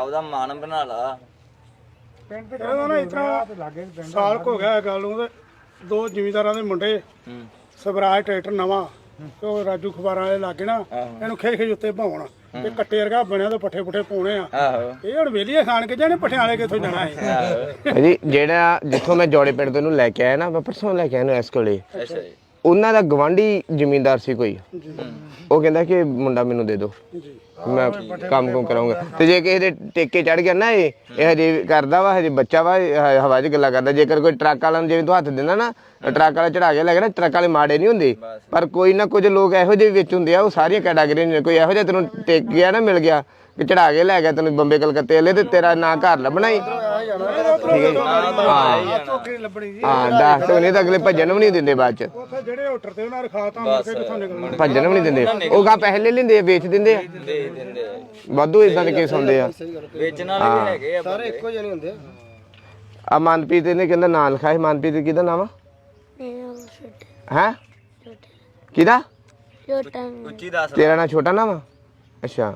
ਆਪਦਾ ਮਨ ਬਣਾ ਲਾ। ਇਹਦਾ ਨਾ ਇਤਨਾ ਸਾਲ ਕੁ ਹੋ ਗਿਆ ਇਹ ਗੱਲ ਨੂੰ ਤੇ ਦੋ ਜ਼ਿਮੀਂਦਾਰਾਂ ਦੇ ਮੁੰਡੇ ਸਵਰਾਜ ਟਰੈਕਟਰ ਨਵਾਂ ਤੇ ਉਹ ਰਾਜੂ ਖਬਾਰਾਂ ਵਾਲੇ ਲਾਗੇ ਨਾ ਇਹਨੂੰ ਖੇ ਖੇ ਉੱਤੇ ਭਾਉਣ ਤੇ ਕੱਟੇ ਵਰਗਾ ਬਣਿਆ ਤੇ ਪੱਠੇ ਪੁੱਠੇ ਪਾਉਣੇ ਆ। ਆਹੋ ਇਹ ਹੁਣ ਵੇਲੀਏ ਖਾਣ ਕੇ ਜਾਣੇ ਪੱਠਿਆਂ ਵਾਲੇ ਕਿੱਥੋਂ ਜਾਣਾ ਹੈ। ਜੀ ਜਿਹੜਾ ਜਿੱਥੋਂ ਮੈਂ ਜੋੜੇ ਪਿੰਡ ਤੋਂ ਇਹਨੂੰ ਲੈ ਕੇ ਆਇਆ ਨਾ, ਮੈਂ ਪਰਸੋਂ ਲੈ ਕੇ ਆਇਆ ਇਹਨੂੰ ਇਸ ਕੋਲੇ। ਅੱਛਾ ਜੀ। ਉਹਨਾਂ ਦਾ ਗਵਾਂਢੀ ਜ਼ਿਮੀਂਦਾਰ ਸੀ ਕੋਈ, ਉਹ ਕਹਿੰਦਾ ਕਿ ਮੁੰਡਾ ਮੈਨੂੰ ਦੇ ਦਿਓ, ਮੈਂ ਕੰਮ ਕੁਮ ਕਰਾਂਗਾ। ਤੇ ਜੇ ਕਿਸੇ ਦੇ ਟੇਕੇ ਚੜ ਗਿਆ ਨਾ, ਇਹ ਹਜੇ ਕਰਦਾ ਵਾ, ਹਜੇ ਬੱਚਾ ਵਾ, ਹਵਾ 'ਚ ਗੱਲਾਂ ਕਰਦਾ। ਜੇਕਰ ਕੋਈ ਟਰੱਕ ਵਾਲਾ ਨੂੰ ਜਿਵੇਂ ਤੂੰ ਹੱਥ ਦਿੰਦਾ ਨਾ, ਟਰੱਕ ਵਾਲਾ ਚੜਾ ਕੇ ਲੈ ਗਿਆ ਨਾ, ਟਰੱਕ ਵਾਲੇ ਮਾੜੇ ਨਹੀਂ ਹੁੰਦੇ, ਪਰ ਕੋਈ ਨਾ ਕੁਝ ਲੋਕ ਇਹੋ ਜਿਹੇ ਵਿੱਚ ਹੁੰਦੇ ਆ, ਉਹ ਸਾਰੀਆਂ ਕੈਟਾਗਰੀਆਂ ਨੇ। ਕੋਈ ਇਹੋ ਜਿਹਾ ਤੈਨੂੰ ਟੇਕ ਗਿਆ ਨਾ, ਮਿਲ ਗਿਆ ਕਿ ਚੜਾ ਕੇ ਲੈ ਗਿਆ ਤੈਨੂੰ ਬੰਬੇ ਕਲਕੱਤੇ ਵਾਲੇ, ਤੇ ਤੇਰਾ ਨਾਂ ਘਰ ਲੱਭਣਾ ਹੀ। ਠੀਕ ਹੈ ਹਾਂ, ਦੱਸ ਤੋ ਨਹੀਂ ਤਾਂ ਅਗਲੇ ਭੱਜਣ ਵੀ ਨਹੀਂ ਦਿੰਦੇ ਬਾਅਦ ਚ। ਉੱਥੇ ਜਿਹੜੇ ਹੋਟਲ ਤੇ ਉਹਨਾਂ ਰਖਾਤਾ ਮੁੜ ਕੇ ਕਿੱਥੋਂ ਨਿਕਲਣਾ। ਭੱਜਣ ਵੀ ਨਹੀਂ ਦਿੰਦੇ, ਉਹ ਗਾ ਪੈਸੇ ਲੈ ਲੈਂਦੇ ਆ, ਵੇਚ ਦਿੰਦੇ ਆ। ਦੇ ਦਿੰਦੇ ਆ। ਵਾਧੂ ਇਦਾਂ ਦੇ ਕੇਸ ਹੁੰਦੇ ਆ। ਵੇਚਣ ਵਾਲੇ ਵੀ ਹੈਗੇ ਆ ਸਾਰੇ ਇੱਕੋ ਜਿਹੇ ਨਹੀਂ ਹੁੰਦੇ। ਆ ਮਨਪ੍ਰੀਤ ਨੇ ਕਹਿੰਦਾ ਨਾਂ ਲਿਖਾਇਆ। ਮਨਪ੍ਰੀਤ ਕਿਹਦਾ ਨਾਮ ਆ? ਮੇਰਾ ਛੋਟੇ ਹੈ ਛੋਟੇ ਕਿਹਦਾ? ਛੋਟਾ ਉੱਚੀ ਦੱਸ। ਤੇਰਾ ਨਾਂ ਛੋਟਾ ਨਾਮ ਆ? ਅੱਛਾ,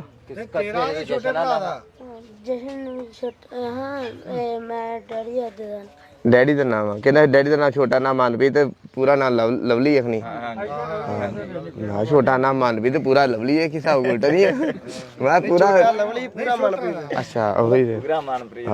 ਜਸ਼ਨ ਵੀ ਛੋਟਾ ਹਾਂ ਮੈਂ ਡੈਡੀ ਅੱਜ ਦਾ ਡੈਡੀ ਦਾ ਨਾਮ ਆ। ਕਹਿੰਦਾ ਡੈਡੀ ਦਾ ਨਾਮ ਛੋਟਾ ਨਾਮ ਮਨਪ੍ਰੀਤ, ਤੇ ਪੂਰਾ ਨਾਮ ਲਵਲੀ ਅਖਣੀ। ਨਾ ਛੋਟਾ ਨਾਮ ਮਨਪ੍ਰੀਤ, ਪੂਰਾ ਲਵਲੀ ਹੈ। ਕਿਸਾ ਉਲਟਾ ਨਹੀਂ ਹੈ। ਮੈਂ ਪੂਰਾ ਲਵਲੀ ਪੂਰਾ ਮਨਪ੍ਰੀਤ। ਅੱਛਾ, ਉਹੀ ਪੂਰਾ ਮਨਪ੍ਰੀਤ।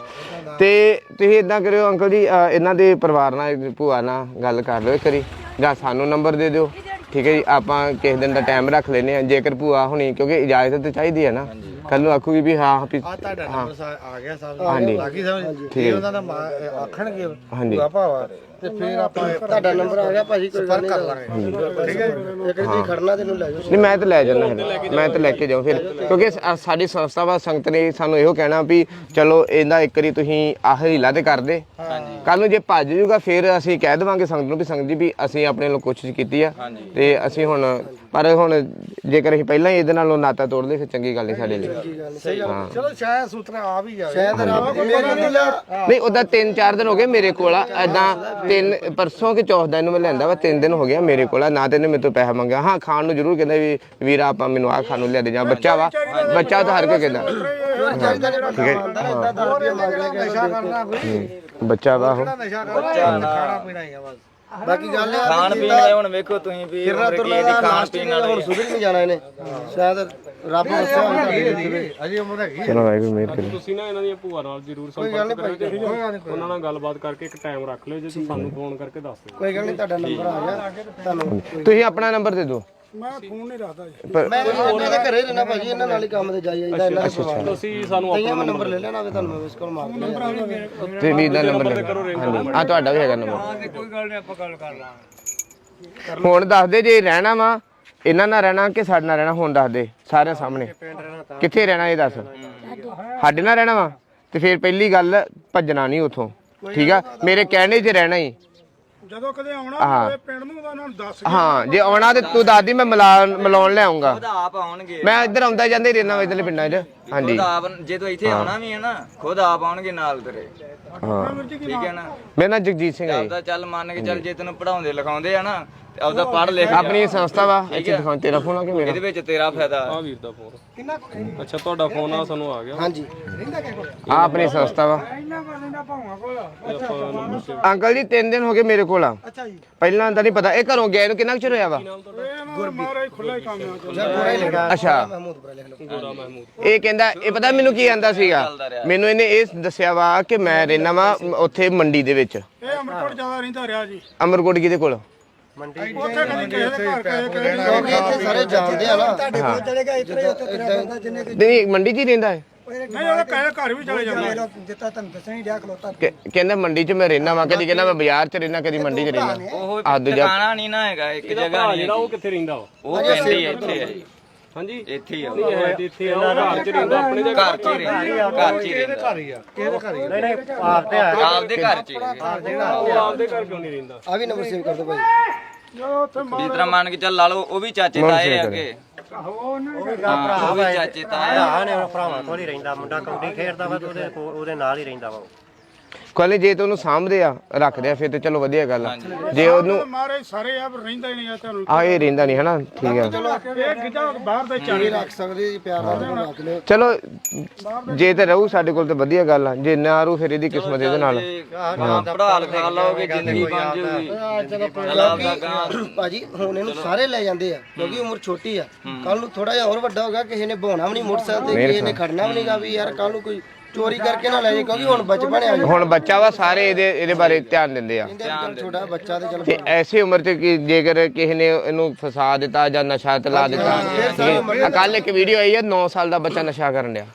ਤੇ ਤੁਸੀਂ ਇਦਾਂ ਕਰਿਓ ਅੰਕਲ ਜੀ, ਇਹਨਾਂ ਦੇ ਪਰਿਵਾਰ ਨਾਲ, ਭੂਆ ਨਾਲ ਗੱਲ ਕਰ ਲਿਓ ਇੱਕ ਵਾਰੀ, ਜਾਂ ਸਾਨੂੰ ਨੰਬਰ ਦੇ ਦਿਓ। ਠੀਕ ਹੈ ਜੀ, ਆਪਾਂ ਕਿਸੇ ਦਿਨ ਦਾ ਟਾਈਮ ਰੱਖ ਲੈਨੇ ਆ। ਜੇਕਰ ਭੂਆ ਹੋਣੀ, ਕਿਉਂਕਿ ਇਜਾਜ਼ਤ ਤੇ ਚਾਹੀਦੀ ਹੈ ਨਾ, ਕੱਲ ਨੂੰ ਆਖੂਗੀ ਵੀ ਹਾਂ ਵੀ ਤੁਹਾਡਾ ਨੰਬਰ ਆ ਗਿਆ ਸਾਹਿਬ। ਹਾਂਜੀ ਬਾਕੀ ਸਮਝ ਠੀਕ ਹੈ। ਉਹਨਾਂ ਦਾ ਆਖਣਗੇ ਹਾਂਜੀ ਭਾਵਾ, ਤੇ ਫਿਰ ਆਪਾਂ ਤੁਹਾਡਾ ਨੰਬਰ ਆ ਗਿਆ ਭਾਜੀ, ਕੋਈ ਗੱਲ ਕਰ ਨਹੀਂ। ਲਾਂਗੇ। ਠੀਕ ਹੈ ਜੀ। ਇੱਕ ਜੀ ਖੜਨਾ ਤੈਨੂੰ ਲੈ ਜਾਓ। ਨਹੀਂ, ਮੈਂ ਤਾਂ ਲੈ ਜਾਣਾ ਹੈ, ਮੈਂ ਤਾਂ ਲੈ ਕੇ ਜਾਉਂ ਫਿਰ, ਕਿਉਂਕਿ ਸਾਡੀ ਸੰਸਥਾ ਵਾ, ਸੰਗਤ ਨੇ ਸਾਨੂੰ ਇਹੋ ਕਹਿਣਾ ਵੀ ਚਲੋ ਇਹਦਾ ਇੱਕ ਵਾਰੀ ਤੁਸੀਂ ਆਹ ਹੀਲਾ ਤੇ ਕਰ ਦੇ। ਕੱਲ ਨੂੰ ਜੇ ਭੱਜ ਜੂਗਾ ਫਿਰ ਅਸੀਂ ਕਹਿ ਦੇਵਾਂਗੇ ਸੰਗਤ ਨੂੰ ਵੀ ਸੰਗਤ ਜੀ ਵੀ ਅਸੀਂ ਆਪਣੇ ਵੱਲੋਂ ਕੋਸ਼ਿਸ਼ ਕੀਤੀ ਆ, ਤੇ ਅਸੀਂ ਹੁਣ, ਪਰ ਹੁਣ ਜੇਕਰ ਅਸੀਂ ਪਹਿਲਾਂ ਹੀ ਇਹਦੇ ਨਾਲੋਂ ਨਾਤਾ ਤੋੜਦੇ ਫਿਰ ਚੰਗੀ ਗੱਲ ਨਹੀਂ ਸਾਡੇ ਲਈ। ਹਾਂ, ਚਲੋ ਸ਼ਾਇਦ ਸੂਤਰਾ ਆ ਵੀ ਜਾਵੇ। ਸ਼ਾਇਦ ਰੱਬ ਦੀ ਮਿਹਰ ਨਾਲ ਨਹੀਂ ਉਹਦਾ 3-4 ਦਿਨ ਹੋ ਗਏ ਮੇਰੇ ਕੋਲ ਆ। ਏਦਾਂ ਪਰਸੋਂ ਕਿ ਚੌਥ ਦਾ ਇਹਨੂੰ ਮੈਂ ਲੈਂਦਾ ਵਾ, 3 ਦਿਨ ਹੋ ਗਿਆ ਮੇਰੇ ਕੋਲ ਆ। ਨਾ ਤੇ ਇਹਨੇ ਮੇਰੇ ਤੋਂ ਪੈਸਾ ਮੰਗਿਆ। ਹਾਂ, ਖਾਣ ਨੂੰ ਜ਼ਰੂਰ ਕਹਿੰਦਾ ਵੀ ਵੀਰਾ ਆਪਾਂ ਮੈਨੂੰ ਆਹ ਖਾਣ ਨੂੰ ਲਿਆ ਦੇ, ਜਾਂ ਬੱਚਾ ਵਾ, ਬੱਚਾ ਤਾਂ ਹਰ ਕੋਈ ਕਹਿੰਦਾ। ਠੀਕ ਹੈ, ਇਦਾਂ ਦਾਦੀਆਂ ਮੰਗ ਲੈ ਕੇ ਨਸ਼ਾ ਕਰਨਾ ਕੋਈ ਬੱਚਾ ਵਾ ਉਹ। ਨਸ਼ਾ ਕਰਨਾ, ਖਾਣਾ ਪੀਣਾ ਹੀ ਆ ਬਸ। ਬਾਕੀ ਗੱਲ ਇਹ ਆ ਖਾਣ ਪੀਣ ਦੇ ਹੁਣ ਵੇਖੋ ਤੁਸੀਂ ਵੀ ਕਿਰਨਾ ਉਮਰ ਕੀ ਤੁਰਨਾ ਇਹਦੀ ਦਾ ਖਾਣ ਲਾਸਟ ਪੀਣ ਹੁਣ ਵਾਲੀ ਸੁਧਰ ਨਹੀਂ ਜਾਣਾ ਇਹਨੇ। ਸ਼ਾਇਦ ਰੱਬ ਨੂੰ ਦੱਸਿਆ ਹੋਵੇ ਤੁਹਾਡੀ ਜ਼ਿੰਦਗੀ ਵਿੱਚ। ਅਜੇ ਉਮਰ ਹੈਗੀ। ਚਲੋ ਵਾਹਿਗੁਰੂ ਮਿਹਰ ਕਰੇ। ਤੁਸੀਂ ਨਾ ਇਹਨਾਂ ਦੀਆਂ ਭੂਆ ਨਾਲ ਜ਼ਰੂਰ ਸੰਪਰਕ ਕਰਿਓ। ਉਹਨਾਂ ਨਾਲ ਗੱਲਬਾਤ ਕਰਕੇ ਇੱਕ ਟਾਈਮ ਰੱਖ ਲਿਓ, ਜੇ ਤੁਸੀਂ ਸਾਨੂੰ ਫੋਨ ਕਰਕੇ ਦੱਸ ਦਿਓ। ਕੋਈ ਗੱਲ ਨਹੀਂ, ਤੁਹਾਡਾ ਨੰਬਰ ਆ ਗਿਆ ਤੁਹਾਨੂੰ। ਤੁਸੀਂ ਆਪਣਾ ਨੰਬਰ ਦੇ ਦਿਓ। ਮੈਂ ਫੋਨ ਨਹੀਂ ਰੱਖਦਾ ਜੀ। ਮੈਂ ਇਹਨਾਂ ਦੇ ਘਰੇ ਰਹਿਣਾ ਭਾਜੀ, ਇਹਨਾਂ ਨਾਲ ਹੀ ਕੰਮ ਤੇ ਜਾਈ ਜਾਂਦਾ। ਇਹਨਾਂ ਦੇ ਪਰਿਵਾਰ ਨਾਲ ਤੁਸੀਂ ਸਾਨੂੰ ਕਈਆਂ ਮੈਂ ਨੰਬਰ ਲੈ ਲੈਣਾ ਹੋਵੇ ਤੁਹਾਨੂੰ ਮੈਂ ਮਿਸ ਕਾਲ ਮਾਰ ਦਿੰਦਾ। ਤੇ ਵੀਰ ਦਾ ਨੰਬਰ ਲੈ ਹਾਂਜੀ, ਆ ਤੁਹਾਡਾ ਵੀ ਹੈਗਾ ਨੰਬਰ। ਕੋਈ ਗੱਲ ਨਹੀਂ, ਆਪਾਂ ਗੱਲ ਕਰ ਲਾਂਗੇ। ਹੁਣ ਦੱਸ ਦੇ ਜੇ ਰਹਿਣਾ ਵਾ ਇਹਨਾਂ ਨਾਲ ਰਹਿਣਾ ਕਿ ਸਾਡੇ ਨਾਲ ਰਹਿਣਾ, ਹੁਣ ਦੱਸ ਦੇ ਸਾਰਿਆਂ ਸਾਹਮਣੇ ਕਿੱਥੇ ਰਹਿਣਾ ਇਹ ਦੱਸ। ਸਾਡੇ ਨਾਲ ਰਹਿਣਾ ਵਾ ਤੇ ਫਿਰ ਪਹਿਲੀ ਗੱਲ ਭੱਜਣਾ ਨਹੀਂ ਉਥੋਂ। ਠੀਕ ਆ, ਮੇਰੇ ਕਹਿਣੇ 'ਚ ਰਹਿਣਾ ਹੀ। ਜਦੋਂ ਕਦੇ ਆਉਣਾ ਪਿੰਡ ਨੂੰ ਤਾਂ ਉਹਨਾਂ ਨੂੰ ਦੱਸ। ਹਾਂ, ਜੇ ਆਉਣਾ ਤੇ ਤੂੰ ਦੱਸਦੀ, ਮੈਂ ਮਿਲਾਉਣ ਲੈ ਆਉਂਗਾ। ਖੁਦ ਆਪ ਆਉਣਗੇ। ਮੈਂ ਇੱਧਰ ਆਉਂਦਾ ਜਾਂਦੇ ਰਹਿਣਾ ਇੱਧਰਲੇ ਪਿੰਡਾਂ 'ਚ। ਹਾਂਜੀ, ਖੁਦ ਆਪ ਜੇ ਤੂੰ ਇੱਥੇ ਆਉਣਾ ਵੀ ਹੈ ਨਾ, ਖੁਦ ਆਪ ਆਉਣਗੇ ਨਾਲ ਤੇਰੇ। ਹਾਂ, ਠੀਕ ਹੈ ਨਾ। ਮੇਰਾ ਨਾਂ ਜਗਜੀਤ ਸਿੰਘ ਹੈ ਜੀ। ਆਪਦਾ ਚੱਲ ਮੰਨ ਕੇ ਚੱਲ, ਜੇ ਤੈਨੂੰ ਪੜਾਉਂਦੇ ਲਿਖਾਉਂਦੇ ਆ ਨਾ, ਤੇ ਆਪਦਾ ਪੜ੍ਹ ਲਿਖ। ਆਪਣੀ ਸੰਸਥਾ ਵਾ ਇੱਥੇ ਦਿਖਾਉਂ। ਤੇਰਾ ਫੋਨ ਆ ਕਿ ਮੇਰਾ? ਇਹਦੇ ਵਿੱਚ ਤੇਰਾ ਫਾਇਦਾ। ਆ ਵੀਰ ਦਾ ਫੋਨ ਅੱਛਾ, ਤੁਹਾਡਾ ਫੋਨ ਆ ਸਾਨੂੰ ਆ ਗਿਆ। ਹਾਂਜੀ, ਆ ਆਪਣੀ ਸੰਸਥਾ ਵਾ। ਅੰਕਲ ਜੀ 3 ਦਿਨ ਹੋ ਗਏ ਮੇਰੇ ਕੋਲ ਆ। ਪਹਿਲਾਂ ਤਾਂ ਨਹੀਂ ਪਤਾ। ਇਹ ਘਰੋਂ ਗਏ ਨੂੰ ਕਿੰਨਾ ਕੁ ਚਿਰ ਹੋਇਆ ਵਾ? ਮਹਾਰਾਜ ਖੁੱਲਾ ਹੀ ਕੰਮ ਆ। ਪੂਰਾ ਹੀ ਲਿਖਾ ਅੱਛਾ, ਮਹਿਮੂਦਪੁਰਾ ਲਿਖ ਲਓ। ਇਹ ਕਹਿੰਦਾ, ਇਹ ਪਤਾ ਮੈਨੂੰ ਕੀ ਆਂਦਾ ਸੀਗਾ, ਮੈਨੂੰ ਇਹਨੇ ਇਹ ਦੱਸਿਆ ਵਾ ਕਿ ਮੈਂ ਰਹਿਣਾ ਵਾ ਉੱਥੇ ਮੰਡੀ ਦੇ ਵਿੱਚ। ਇਹ ਅਮਰਕੋਟ ਜ਼ਿਆਦਾ ਰਹਿੰਦਾ ਰਿਹਾ ਜੀ। ਅਮਰਕੋਟ ਕਿਹਦੇ ਕੋਲ? ਉੱਥੇ ਕਦੇ ਕਿਸੇ ਦੇ ਘਰ ਗਏ, ਕਿਸੇ ਦੇ ਕਿਉਂਕਿ ਇੱਥੇ ਸਾਰੇ ਜਾਣਦੇ ਆ ਨਾ। ਨਹੀਂ, ਮੰਡੀ 'ਚ ਹੀ ਰਹਿੰਦਾ ਹੈ। ਨਹੀਂ, ਉਹਦੇ ਘਰ ਵੀ ਚਲੇ ਜਾਂਦੇ। ਕਹਿੰਦਾ ਮੰਡੀ 'ਚ ਮੈਂ ਰਹਿਣਾ ਵਾ, ਕਦੀ ਕਹਿੰਦਾ ਮੈਂ ਬਾਜ਼ਾਰ 'ਚ ਰਹਿਣਾ, ਕਦੀ ਮੰਡੀ 'ਚ ਰਹਿਣਾ। ਉਹ ਆ ਦੂਜਾ ਟਿਕਾਣਾ ਨਹੀਂ ਨਾ ਹੈਗਾ, ਇੱਕ ਜਗ੍ਹਾ ਨਹੀਂ ਜਿਹੜਾ ਉਹ ਕਿੱਥੇ ਰਹਿੰਦਾ ਵਾ? ਉਹ ਪਿੰਡ ਹੀ ਇੱਥੇ ਹੈ। ਹਾਂਜੀ, ਇੱਥੇ ਹੀ ਆ। ਨਹੀਂ ਹੈ ਤੇ ਇੱਥੇ ਆ, ਉਹ ਘਰ 'ਚ ਰਹਿੰਦਾ ਆਪਣੇ ਦੇ। ਘਰ 'ਚ ਹੀ ਰਹਿੰਦਾ। ਘਰ 'ਚ ਹੀ ਰਹਿੰਦਾ। ਆਪਦੇ ਘਰ 'ਚ ਹੀ ਰਹਿੰਦਾ। ਉਹ ਆਪਦੇ ਘਰ ਕਿਉਂ ਨਹੀਂ ਰਹਿੰਦਾ? ਆ ਵੀ ਨੰਬਰ ਸੇਵ ਕਰ ਦਿਓ ਭਾਈ। ਜਦੋਂ ਉੱਥੇ ਜਿਸ ਤਰ੍ਹਾਂ ਮੰਨ ਕੇ ਚੱਲ ਲਾ ਲਓ, ਉਹ ਵੀ ਚਾਚੇ ਤਾਏ ਆ ਅੱਗੇ। ਹਾਂ, ਉਹ ਵੀ ਚਾਚੇ ਤਾਏ ਆ। ਭਰਾਵਾਂ ਕੋਲ ਹੀ ਰਹਿੰਦਾ। ਮੁੰਡਾ ਕਬੱਡੀ ਖੇਡਦਾ ਵਾ ਤੇ ਉਹਦੇ ਨਾਲ ਹੀ ਰਹਿੰਦਾ ਵਾ। ਕੋਲੇ ਜੇ ਤੇ ਉਹਨੂੰ ਸਾਂਭਦੇ ਆ ਰੱਖਦੇ ਆ ਫਿਰ ਤੇ ਚਲੋ ਵਧੀਆ ਗੱਲ ਆ ਜੇ ਉਹਨੂੰ ਮਾਰੇ ਸਾਰੇ ਆ ਰਹਿੰਦਾ ਹੀ ਨਹੀਂ ਆ ਤੁਹਾਨੂੰ ਆ ਇਹ ਰਹਿੰਦਾ ਨਹੀਂ ਹਨਾ ਠੀਕ ਆ ਇਹ ਗਿੱਧਾ ਬਾਹਰ ਦੇ ਚਾਰੇ ਰੱਖ ਸਕਦੇ ਜੀ ਪਿਆਰ ਨਾਲ ਰੱਖ ਲਿਓ। ਚਲੋ ਜੇ ਤੇ ਰਹੂ ਸਾਡੇ ਕੋਲ ਤੇ ਵਧੀਆ ਗੱਲ ਆ ਜੇ ਨਾ ਰਹੂ ਫਿਰ ਇਹਦੀ ਕਿਸਮਤ ਇਹਦੇ ਨਾਲ ਪੜਾ ਲਿਖਾ ਲਓਗੇ ਜ਼ਿੰਦਗੀ ਬਣ ਜੂਗੀ ਭਾਜੀ ਹੁਣ ਇਹਨੂੰ ਸਾਰੇ ਲੈ ਜਾਂਦੇ ਆ ਕਿਉਂਕਿ ਉਮਰ ਛੋਟੀ ਆ ਕੱਲ ਨੂੰ ਥੋੜਾ ਜਿਹਾ ਹੋਰ ਵੱਡਾ ਹੋਗਾ ਕਿਸੇ ਨੇ ਬਹਾਉਣਾ ਵੀ ਨਹੀਂ ਮੋਟਰਸਾਈਕਲ ਤੇ ਕਿਸੇ ਨੇ ਖੜਨਾ ਵੀ ਨਹੀਂਗਾ ਵੀ ਯਾਰ ਕੱਲ ਨੂੰ ਕੋਈ ਚੋਰੀ ਕਰਕੇ ਨਾ ਲੈ ਜਾਏ ਕਿਉਂਕਿ ਹੁਣ ਬਚਪਨ ਆ ਹੁਣ ਬੱਚਾ ਵਾ ਸਾਰੇ ਇਹਦੇ ਬਾਰੇ ਧਿਆਨ ਦਿੰਦੇ ਆ ਛੋਟਾ ਬੱਚਾ ਤੇ ਚਲ ਤੇ ਐਸੀ ਉਮਰ 'ਚ ਕਿ ਜੇਕਰ ਕਿਸੇ ਨੇ ਇਹਨੂੰ ਫਸਾ ਦਿੱਤਾ ਜਾਂ ਨਸ਼ਾ ਤੇ ਲਾ ਦਿੱਤਾ ਕੱਲ ਇੱਕ ਵੀਡੀਓ ਆਈ ਹੈ 9 ਸਾਲ ਦਾ ਬੱਚਾ ਨਸ਼ਾ ਕਰਨ ਡਿਆ